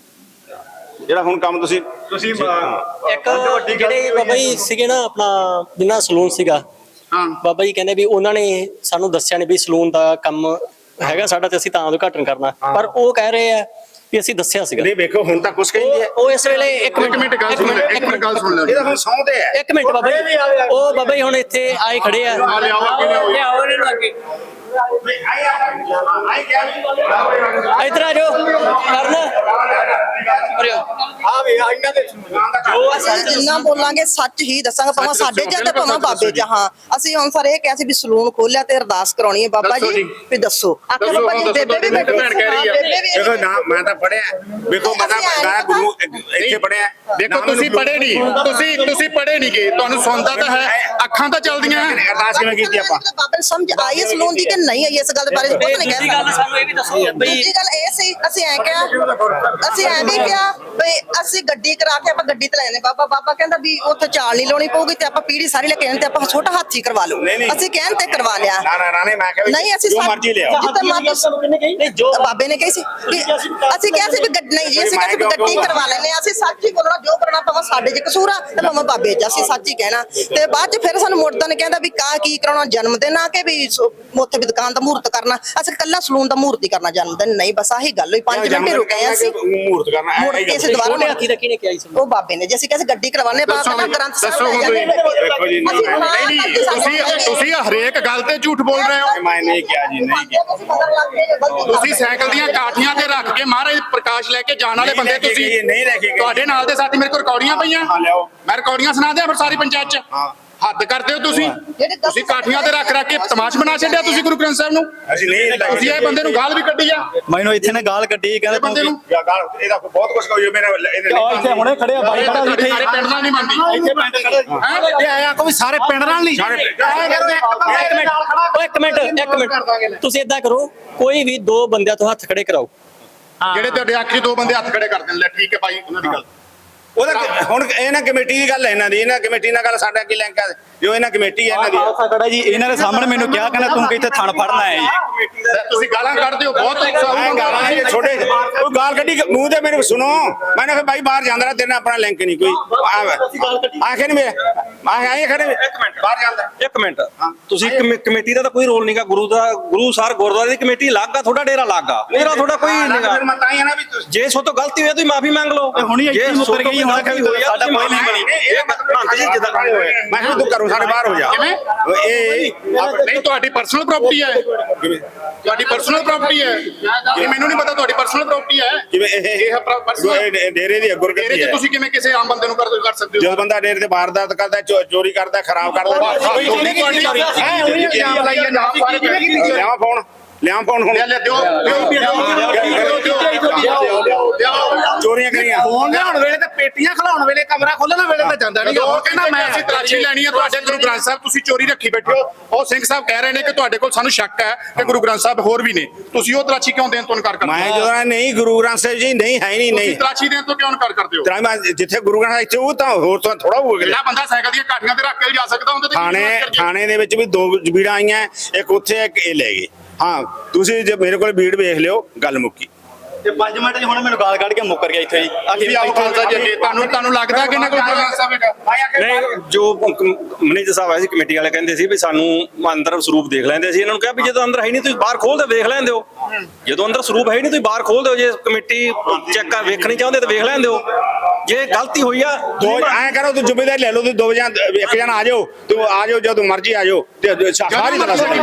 [SPEAKER 2] ਜਿਹੜਾ ਹੁਣ ਕੰਮ ਤੁਸੀਂ
[SPEAKER 6] ਤੁਸੀਂ
[SPEAKER 4] ਇੱਕ ਜਿਹੜੇ ਬਾਬਾ ਜੀ ਸੀਗੇ ਨਾ ਆਪਣਾ ਜਿੰਨਾ ਸਲੂਨ ਸੀਗਾ,
[SPEAKER 1] ਹਾਂ
[SPEAKER 4] ਬਾਬਾ ਜੀ ਕਹਿੰਦੇ ਵੀ ਉਹਨਾਂ ਨੇ ਸਾਨੂੰ ਦੱਸਿਆ ਨਹੀਂ ਵੀ ਸਲੂਨ ਦਾ ਕੰਮ ਹੈਗਾ ਸਾਡਾ ਤੇ ਅਸੀਂ ਤਾਂ ਉਦਘਾਟਨ ਕਰਨਾ, ਪਰ ਉਹ ਕਹਿ ਰਹੇ ਆ ਵੀ ਅਸੀਂ ਦੱਸਿਆ ਸੀਗਾ।
[SPEAKER 2] ਨਹੀਂ ਵੇਖੋ ਹੁਣ ਤਾਂ ਕੁਛ ਕਹਿੰਦੇ ਆ।
[SPEAKER 4] ਉਹ ਇਸ ਵੇਲੇ ਇੱਕ
[SPEAKER 1] ਇੱਕ ਮਿੰਟ ਗੱਲ ਸੁਣ ਲੈ, ਇੱਕ ਮਿੰਟ ਗੱਲ ਸੁਣ ਲੈ।
[SPEAKER 2] ਇਹ ਤਾਂ ਹੁਣ ਸੌਂਦੇ ਆ।
[SPEAKER 4] ਇੱਕ ਮਿੰਟ ਬਾਬਾ ਜੀ, ਉਹ ਬਾਬਾ ਜੀ ਹੁਣ ਇੱਥੇ ਆਏ ਖੜੇ ਆ।
[SPEAKER 1] ਆ ਲਿਆਓ ਅੱਗੇ ਲਿਆਓ।
[SPEAKER 4] ਲਿਆਓ ਇਹਨਾਂ ਨੂੰ ਅੱਗੇ।
[SPEAKER 2] ਆਈ ਆਈ ਕਿਹਾ
[SPEAKER 4] ਇੱਧਰ ਆ ਜਾਓ ਕਰਨ
[SPEAKER 6] ਹਾਂ ਵੀ ਇਹਨਾਂ ਦੇ
[SPEAKER 4] ਜੋ ਆ ਸੱਚ
[SPEAKER 5] ਜਿੰਨਾ ਬੋਲਾਂਗੇ ਸੱਚ ਹੀ ਦੱਸਾਂਗੇ, ਭਾਵੇਂ ਸਾਡੇ ਜਾਂ ਤੇ ਭਾਵੇਂ ਬਾਬੇ ਜਾਂ। ਹਾਂ ਅਸੀਂ ਹੁਣ ਸਾਰੇ ਇਹ ਕਿਹਾ ਸੀ ਵੀ ਸਲੂਨ ਖੋਲਿਆ ਤੇ ਅਰਦਾਸ ਕਰਾਉਣੀ ਹੈ ਬਾਬਾ ਜੀ ਵੀ ਦੱਸੋ। ਆਖਰ ਬਾਬਾ ਜੀ ਬੇਬੇ ਵੀ ਬੈਠੀ
[SPEAKER 1] ਭੈਣ ਕਹਿ ਰਹੀ ਹੈ।
[SPEAKER 2] ਦੇਖੋ ਨਾ ਮੈਂ ਤਾਂ ਪੜਿਆ ਵੇਖੋ ਮੈਂ ਤਾਂ ਮੈਂ ਗੁਰੂ ਇੱਥੇ ਪੜਿਆ।
[SPEAKER 1] ਦੇਖੋ ਤੁਸੀਂ ਪੜ੍ਹੇ ਨਹੀਂ, ਤੁਸੀਂ ਤੁਸੀਂ ਪੜ੍ਹੇ ਨਹੀਂ ਗਏ, ਤੁਹਾਨੂੰ ਸੁਣਦਾ ਤਾਂ ਹੈ, ਅੱਖਾਂ ਤਾਂ ਚੱਲਦੀਆਂ ਹੈ।
[SPEAKER 2] ਅਰਦਾਸ ਕਿਵੇਂ ਕੀਤੀ ਆਪਾਂ?
[SPEAKER 5] ਬਾਬਾ ਨੂੰ ਸਮਝ ਆਈ ਹੈ ਸਲੂਨ ਦੀ ਕਿ ਨਹੀਂ ਆਈ ਇਸ ਗੱਲ ਬਾਰੇ ਕੁਝ ਨਹੀਂ
[SPEAKER 4] ਦੂਜੀ
[SPEAKER 5] ਕਹਿ
[SPEAKER 4] ਗੱਲ
[SPEAKER 5] ਸਕਦੇ।
[SPEAKER 4] ਸਾਨੂੰ ਇਹ ਵੀ ਦੱਸੋ ਬਈ
[SPEAKER 5] ਦੂਜੀ ਗੱਲ ਇਹ ਸੀ ਅਸੀਂ ਐ ਕਿਹਾ ਅਸੀਂ ਐ ਵੀ ਕਿਹਾ ਵੀ ਅਸੀਂ ਗੱਡੀ ਕਰਾ ਕੇ ਆਪਾਂ ਗੱਡੀ ਤੇ ਲੈ ਜਾਂਦੇ ਬਾਬਾ ਬਾਬਾ ਕਹਿੰਦਾ ਵੀ ਉੱਥੇ ਚਾਲ ਨਹੀਂ ਲਾਉਣੀ ਪਊਗੀ ਤੇ ਆਪਾਂ ਪੀੜੀ ਸਾਰੀ ਲੈ ਕੇ ਆਉਣੀ ਤੇ ਆਪਾਂ ਛੋਟਾ ਹਾਥੀ ਕਰਵਾ ਲਓ
[SPEAKER 2] ਨਹੀਂ, ਨਹੀਂ।
[SPEAKER 5] ਅਸੀਂ ਕਹਿਣ ਤੇ ਕਰਵਾ ਲਿਆ
[SPEAKER 2] ਨਾ ਨਾ ਨਾ ਨਹੀਂ ਮੈਂ ਕਿਹਾ ਵੀ
[SPEAKER 5] ਨਹੀਂ ਅਸੀਂ
[SPEAKER 2] ਜੋ
[SPEAKER 5] ਸਾ-
[SPEAKER 2] ਮਰਜ਼ੀ ਲਿਆਓ
[SPEAKER 5] ਜਿੱਥੇ ਮਰਜ਼ੀ
[SPEAKER 4] ਨਹੀਂ ਜੋ
[SPEAKER 5] ਬਾਬੇ ਨੇ ਕਹੀ ਸੀ ਵੀ ਅਸੀਂ ਕਿਹਾ ਸੀ ਵੀ ਗੱਡੀ ਨਹੀਂ ਜੀ ਅਸੀਂ ਕਿਹਾ ਸੀ ਵੀ ਗੱਡੀ ਕਰਵਾ ਲੈਣੇ ਅਸੀਂ ਸੱਚ ਹੀ ਬੋਲਣਾ ਜੋ ਕਰਨਾ ਭਾਵੇਂ ਸਾਡੇ 'ਚ ਕਸੂਰ ਆ ਤੇ ਭਾਵੇਂ ਬਾਬੇ 'ਚ ਅਸੀਂ ਸੱਚ ਹੀ ਕਹਿਣਾ ਤੇ ਬਾਅਦ 'ਚ ਫਿਰ ਸਾਨੂੰ ਮੁਰਦਾ ਨੇ ਕਹਿੰਦਾ ਵੀ ਕਾ ਕੀ ਕਰਾਉਣਾ ਜਨਮ ਦਿਨ ਆ ਕੇ ਵੀ ਸੋ- ਉੱਥੇ ਵੀ ਦੁਕਾਨ ਦਾ ਮਹੂਰਤ ਕਰਨਾ ਅਸੀਂ ਕੱਲਾ ਸਲੂਨ ਦਾ ਮਹੂਰਤ ਹੀ ਕਰਨਾ ਜਨਮ ਦਿਨ ਨਹੀਂ ਬਸ ਆਹੀ ਗੱਲ ਹੋਈ ਪੰਜ ਮਿੰਟ ਹੀ ਰੁਕੇ ਅਸੀਂ
[SPEAKER 2] ਮੂਰਤ ਕਰਨਾ
[SPEAKER 5] ਮੁੜ ਕੇ ਅਸੀਂ ਦੁਬਾਰਾ
[SPEAKER 4] ਛੋਟੇ ਹਾਥੀ ਦਾ ਕਿਹਨੇ ਕਿਹਾ ਸੀ
[SPEAKER 5] ਉਹ ਬਾਬੇ ਨੇ ਜੇ ਅਸੀਂ ਕਿਹਾ ਸੀ ਗੱਡੀ ਕਰਵਾਣੇ ਬਾਬਾ ਦਾ ਗ੍ਰੰਥ ਸਾਹਿਬ
[SPEAKER 1] ਦੱਸੋ
[SPEAKER 5] ਲੈ
[SPEAKER 1] ਹੁਣ
[SPEAKER 5] ਜਾਂਦੇ
[SPEAKER 1] ਤੁਸੀਂ।
[SPEAKER 2] ਦੇਖੋ ਜੀ, ਨਹੀਂ,
[SPEAKER 5] ਅਸੀਂ ਹਾਂ
[SPEAKER 1] ਨਹੀਂ ਨਹੀਂ ਤੁਸੀਂ ਤੁਸੀਂ ਹਰੇਕ ਗੱਲ ਤੇ ਝੂਠ ਬੋਲ ਰਹੇ ਹੋ।
[SPEAKER 2] ਮੈਂ ਨਹੀਂ ਕਿਹਾ ਜੀ ਨਹੀਂ ਕਿਹਾ
[SPEAKER 1] ਤੁਸੀਂ ਸਾਈਕਲ ਦੀਆਂ ਕਾਠੀਆਂ ਤੇ ਰੱਖ ਕੇ ਮਹਾਰਾਜ ਪ੍ਰਕਾਸ਼ ਲੈ ਕੇ ਜਾਣ ਵਾਲੇ
[SPEAKER 2] ਨਹੀਂ
[SPEAKER 1] ਬੰਦੇ
[SPEAKER 2] ਲੈ ਕੇ
[SPEAKER 1] ਤੁਸੀਂ
[SPEAKER 2] ਗਏ, ਨਹੀਂ ਲੈ ਕੇ ਗਏ।
[SPEAKER 1] ਤੁਹਾਡੇ ਨਾਲ ਦੇ ਸਾਥੀ ਮੇਰੇ ਕੋਲ ਰਿਕਾਰਡੀਆਂ ਪਈਆਂ
[SPEAKER 2] ਹਾਂ, ਲਿਆਓ।
[SPEAKER 1] ਮੈਂ ਰਿਕਾਰਡੀਆਂ ਸੁਣਾ ਦਿਆਂ ਫਿਰ ਸਾਰੀ ਪੰਚਾਇਤ ਚ
[SPEAKER 2] ਹਾਂ।
[SPEAKER 1] ਹੱਦ ਕਰਦੇ ਹੋ ਤੁਸੀਂ
[SPEAKER 5] ਜਿਹੜੇ ਦਸ
[SPEAKER 1] ਤੁਸੀਂ ਕਾਠੀਆਂ ਤੇ ਰੱਖ ਰੱਖ ਕੇ ਤਮਾਸ਼ ਬਣਾ ਛੱਡਿਆ ਤੁਸੀਂ ਗੁਰੂ ਗ੍ਰੰਥ ਸਾਹਿਬ ਨੂੰ
[SPEAKER 2] ਅਸੀਂ ਨਹੀਂ ਲੈ ਕੇ
[SPEAKER 1] ਤੁਸੀਂ ਇਹ ਬੰਦੇ ਨੂੰ ਗਾਲ ਵੀ ਕੱਢੀ ਆ
[SPEAKER 7] ਮੈਨੂੰ ਇੱਥੇ ਨੇ ਗਾਲ ਕੱਢੀ
[SPEAKER 1] ਇਹ
[SPEAKER 7] ਕਹਿੰਦਾ
[SPEAKER 1] ਬੰਦੇ ਨੂੰ
[SPEAKER 2] ਜਾਂ ਗਾਲ ਇਹਦਾ ਬਹੁਤ ਕੁਝ ਕਹੋ ਮੇਰੇ ਇਹਦੇ
[SPEAKER 7] ਉਹ ਇੱਥੇ ਹੁਣੇ ਖੜੇ ਆ ਬਾਈ ਖੜਾ
[SPEAKER 1] ਤੁਹਾਡੇ
[SPEAKER 7] ਇੱਥੇ
[SPEAKER 1] ਸਾਰੇ ਪਿੰਡ ਨਾਲ ਨਹੀਂ ਮੰਨਦੀ
[SPEAKER 7] ਇੱਥੇ ਪਿੰਡ ਖੜਾ ਇਹ ਆਇਆ ਕੋਈ ਸਾਰੇ ਪਿੰਡ ਨਾਲ ਨਹੀਂ
[SPEAKER 2] ਸਾਰੇ
[SPEAKER 4] ਇੱਕ ਮਿੰਟ ਓ ਇੱਕ ਮਿੰਟ ਇੱਕ ਮਿੰਟ ਤੁਸੀਂ ਇਦਾਂ ਕਰੋ ਕੋਈ ਵੀ ਦੋ ਬੰਦਿਆਂ ਤੋਂ ਹੱਥ ਖੜੇ ਕਰਾਓ
[SPEAKER 1] ਜਿਹੜੇ ਤੁਹਾਡੇ ਆਖਰੀ ਦੋ ਬੰਦੇ ਹੱਥ ਖੜੇ ਕਰ ਦੇਣ ਲੈ ਠੀਕ ਹੈ ਭਾਈ ਉਹਨਾਂ ਦੀ ਗੱਲ
[SPEAKER 2] ਉਹਦਾ ਹੁਣ ਇਹ ਨਾ ਕਮੇਟੀ ਦੀ ਗੱਲ ਹੈ ਇਹਨਾਂ ਦੀ ਇਹਨਾਂ ਕਮੇਟੀ ਨਾਲ ਗੱਲ ਸਾਡਾ ਕੀ ਲਿੰਕ ਹੈ ਜੋ ਇਹਨਾਂ ਕਮੇਟੀ ਹੈ ਇਹਨਾਂ ਦੀ
[SPEAKER 7] ਖਾਲਸਾ ਖੜਾ ਜੀ ਇਹਨਾਂ ਦੇ ਸਾਹਮਣੇ ਮੈਨੂੰ ਕਿਹਾ ਕਹਿੰਦਾ ਤੂੰ ਕਿੱਥੇ ਥਣ ਫੜਨਾ ਹੈ ਜੀ
[SPEAKER 1] ਤੁਸੀਂ ਗਾਲਾਂ ਕੱਢਦੇ ਹੋ ਬਹੁਤ
[SPEAKER 2] ਮੈਂ
[SPEAKER 1] ਉਤਸ਼ਾਹ
[SPEAKER 2] ਗਾਲਾਂ ਇਹ ਛੋਟੇ ਉਹ ਗਾਲ ਕੱਢੀ ਮੂੰਹ ਤੇ ਮੇਰੇ ਸੁਣੋ ਮੈਂ ਕਿਹਾ ਭਾਈ ਬਾਹਰ ਜਾਂਦਾ ਰਿਹਾ ਤੇਰੇ ਨਾਲ ਆਪਣਾ ਲਿੰਕ ਨਹੀਂ ਕੋਈ ਆਖੇ ਨਹੀਂ ਮੇਰੇ ਮੈਂ ਆਏ ਖੜੇ
[SPEAKER 3] ਇੱਕ ਮਿੰਟ
[SPEAKER 2] ਬਾਹਰ ਜਾਂਦਾ
[SPEAKER 3] ਇੱਕ ਮਿੰਟ ਤੁਸੀਂ ਕਮੇ- ਕਮੇਟੀ ਦਾ ਤਾਂ ਕੋਈ ਰੋਲ ਨਹੀਂਗਾ ਗੁਰੂ ਦਾ ਗੁਰੂ ਸਾਹਿਬ ਗੁਰਦੁਆਰੇ ਦੀ ਕਮੇਟੀ ਅਲੱਗ ਆ ਤੁਹਾਡਾ ਡੇਰਾ ਅਲੱਗ ਆ ਮੇਰਾ ਤੁਹਾਡਾ ਕੋਈ ਨਹੀਂਗਾ
[SPEAKER 2] ਫਿਰ ਮੈਂ ਤਾਂ ਹੀ ਆ ਨਾ ਵੀ ਤੁਸੀਂ
[SPEAKER 3] ਜੇ ਸੋ ਤੋਂ ਗਲਤੀ ਹੋਈ ਤੁਸੀਂ ਮਾਫੀ ਮੰਗ ਲਓ
[SPEAKER 7] ਤੇ ਹੁਣੀ ਇੱਥੇ
[SPEAKER 3] ਜੇ
[SPEAKER 7] ਮੁੱਕਰ ਗਈ, ਹੁਣ ਕਹਿੰਦੀ ਹੋਈ ਆ,
[SPEAKER 3] ਸਾਡਾ ਕੋਈ ਨਹੀਂ
[SPEAKER 2] ਨਹੀਂ,
[SPEAKER 3] ਬਣੀ
[SPEAKER 2] ਨਹੀਂ, ਇਹ ਮਤਲਬ
[SPEAKER 3] ਜੀ ਜਿੱਦਾਂ
[SPEAKER 2] ਮੈਂ ਕਿਹਾ ਤੂੰ ਘਰੋਂ ਸਾਡੇ ਬਾਹਰ ਹੋ ਜਾ
[SPEAKER 1] ਕਿਵੇਂ?
[SPEAKER 2] ਇਹ
[SPEAKER 1] ਨਹੀਂ ਤੁਹਾਡੀ ਪਰਸਨਲ ਪ੍ਰਾਪਰਟੀ ਹੈ
[SPEAKER 2] ਕਿਵੇਂ
[SPEAKER 1] ਤੁਹਾਡੀ ਪਰਸਨਲ ਪ੍ਰਾਪਰਟੀ ਹੈ ਇਹ ਮੈਨੂੰ ਨਹੀਂ ਪਤਾ ਤੁਹਾਡੀ ਪਰਸਨਲ ਪ੍ਰਾਪਰਟੀ ਹੈ
[SPEAKER 2] ਜਿਵੇਂ ਇਹ
[SPEAKER 1] ਇਹ personal-
[SPEAKER 2] ਇਹ ਡੇਰੇ ਦੀ
[SPEAKER 1] ਤੇਰੇ
[SPEAKER 2] ਗੁਰਗੱਦੀ
[SPEAKER 1] ਚ
[SPEAKER 2] ਹੈ
[SPEAKER 1] ਤੁਸੀਂ ਕਿਵੇਂ ਕਿਸੇ ਆਮ ਬੰਦੇ ਨੂੰ ਕਰ ਕਰ ਸਕਦੇ ਹੋ
[SPEAKER 2] ਜਦੋਂ ਬੰਦਾ ਡੇਰੇ ਤੇ ਵਾਰਦਾਤ ਕਰਦਾ ਚੋ- ਚੋਰੀ ਕਰਦਾ ਖਰਾਬ ਕਰਦਾ
[SPEAKER 1] ਤੁਹਾਡੀ
[SPEAKER 2] ਲਿਆਵਾਂ ਫੋਨ ਲਿਆਵਾਂ ਫੋਨ ਹੁਣ
[SPEAKER 1] ਲੈ ਲੈ ਦਿਓ ਦਿਓ ਦਿਓ ਦਿਓ
[SPEAKER 2] ਚੋਰੀਆਂ ਕਰੀਆਂ
[SPEAKER 7] ਫੋਨ ਲਿਆਉਣ ਵੇਲੇ ਤੇ ਪੇਟੀਆਂ ਖਲਾਉਣ ਵੇਲੇ ਕਮਰਾ ਖੋਲਣ ਵੇਲੇ ਤਾਂ ਜਾਂਦਾ ਨਹੀਂ
[SPEAKER 1] ਉਹ ਕਹਿੰਦਾ ਮੈਂ ਅਸੀਂ ਤਲਾਸ਼ੀ ਲੈਣੀ ਹੈ ਤੁਹਾਡੇ ਗੁਰੂ ਗ੍ਰੰਥ ਸਾਹਿਬ ਤੁਸੀਂ ਚੋਰੀ ਰੱਖੀ ਬੈਠੇ ਹੋ ਉਹ ਸਿੰਘ ਸਾਹਿਬ ਕਹਿ ਰਹੇ ਨੇ ਕਿ ਤੁਹਾਡੇ ਕੋਲ ਸਾਨੂੰ ਸ਼ੱਕ ਹੈ ਕਿ ਗੁਰੂ ਗ੍ਰੰਥ ਸਾਹਿਬ ਹੋਰ ਵੀ ਨੇ ਤੁਸੀਂ ਉਹ ਤਲਾਸ਼ੀ ਕਿਉਂ ਦੇਣ ਤੋਂ ਇਨਕਾਰ ਕਰਦੇ
[SPEAKER 2] ਮੈਂ
[SPEAKER 1] ਹੋ
[SPEAKER 2] ਜਦੋਂ ਨਹੀਂ ਗੁਰੂ ਗ੍ਰੰਥ ਸਾਹਿਬ ਜੀ ਨਹੀਂ ਹੈ ਨਹੀਂ
[SPEAKER 1] ਤੁਸੀਂ
[SPEAKER 2] ਨਹੀਂ
[SPEAKER 1] ਤਲਾਸ਼ੀ ਦੇਣ ਤੋਂ ਕਿਉਂ ਇਨਕਾਰ ਕਰਦੇ ਹੋ
[SPEAKER 2] ਤਰਾ ਮੈਂ ਜਿੱਥੇ ਗੁਰੂ ਗ੍ਰੰਥ ਸਾਹਿਬ ਇੱਥੇ ਉਹ ਤਾਂ ਹੋਰ ਤਾਂ ਥੋੜਾ ਹੋ ਗਿਆ
[SPEAKER 1] ਜਿਹੜਾ ਬੰਦਾ ਸਾਈਕਲ ਦੀਆਂ ਕਾਠੀਆਂ ਤੇ ਰੱਖ ਕੇ ਜਾ ਸਕਦਾ ਉਹਦੇ ਤੇ ਕੀ
[SPEAKER 2] ਥਾਣੇ
[SPEAKER 1] ਵਿਸ਼ਵਾਸ ਕਰੀਏ?
[SPEAKER 2] ਥਾਣੇ ਦੇ ਵਿੱਚ ਵੀ ਦੋ ਬੀੜਾਂ ਆਈਆਂ ਇੱਕ ਉੱਥੇ ਇੱਕ ਇਹ ਲੈ ਗਏ ਹਾਂ ਤੁਸੀਂ ਜੇ ਮੇਰੇ ਕੋਲ ਬੀੜ ਵੇਖ ਲਿਓ ਗੱਲ ਮੁੱਕੀ
[SPEAKER 7] ਤੇ ਪੰਜ ਮਿੰਟ ਚ ਹੁਣ ਮੈਨੂੰ ਗਾਲ ਕੱਢ ਕੇ ਮੁੱਕਰ ਗਿਆ ਇੱਥੇ ਜੀ
[SPEAKER 1] ਤੁਸੀਂ ਆਓ ਖਾਲਸਾ ਜੀ ਅੱਗੇ ਤੁਹਾਨੂੰ ਤੁਹਾਨੂੰ ਲੱਗਦਾ ਕਿ ਇਹਨਾਂ ਕੋਲ ਗੁਰੂ ਗ੍ਰੰਥ ਸਾਹਿਬ ਹੈਗਾ
[SPEAKER 3] ਨਹੀਂ ਜੋ ਮੈਨੇਜਰ ਸਾਹਿਬ ਆਏ ਸੀ ਕਮੇਟੀ ਵਾਲੇ ਕਹਿੰਦੇ ਸੀ ਵੀ ਸਾਨੂੰ ਅੰਦਰ ਸਰੂਪ ਦੇਖ ਲੈਂਦੇ ਸੀ ਇਹਨਾਂ ਨੂੰ ਕਿਹਾ ਵੀ ਜਦੋਂ ਅੰਦਰ ਹੈ ਨਹੀਂ ਤੁਸੀਂ ਬਾਹਰ ਖੋਲ ਕੇ ਵੇਖ ਲੈਂਦੇ ਹੋ ਜਦੋਂ ਅੰਦਰ ਸਰੂਪ ਹੈ ਨਹੀਂ ਤੁਸੀਂ ਬਾਹਰ ਖੋਲ ਦਿਓ ਜੇ ਕਮੇਟੀ ਚੈੱਕ ਕਰ ਵੇਖਣੀ ਚਾਹੁੰਦੇ ਤਾਂ ਵੇਖ ਲੈਂਦੇ ਹੋ ਜੇ ਗਲਤੀ ਹੋਈ ਆ
[SPEAKER 2] ਦੋ ਐਂ ਕਰੋ ਤੂੰ ਜ਼ਿੰਮੇਵਾਰੀ ਲੈ ਲਓ ਤੁਸੀਂ ਦੋ ਜਾਂ ਇੱਕ ਜਣਾ ਆ ਜਾਓ ਤੂੰ ਆ ਜਾਓ ਜਦੋਂ ਮਰਜ਼ੀ ਆ ਜਾਓ ਤੇ ਸਾਰੀ ਤਰ੍ਹਾਂ ਸਾਡੀ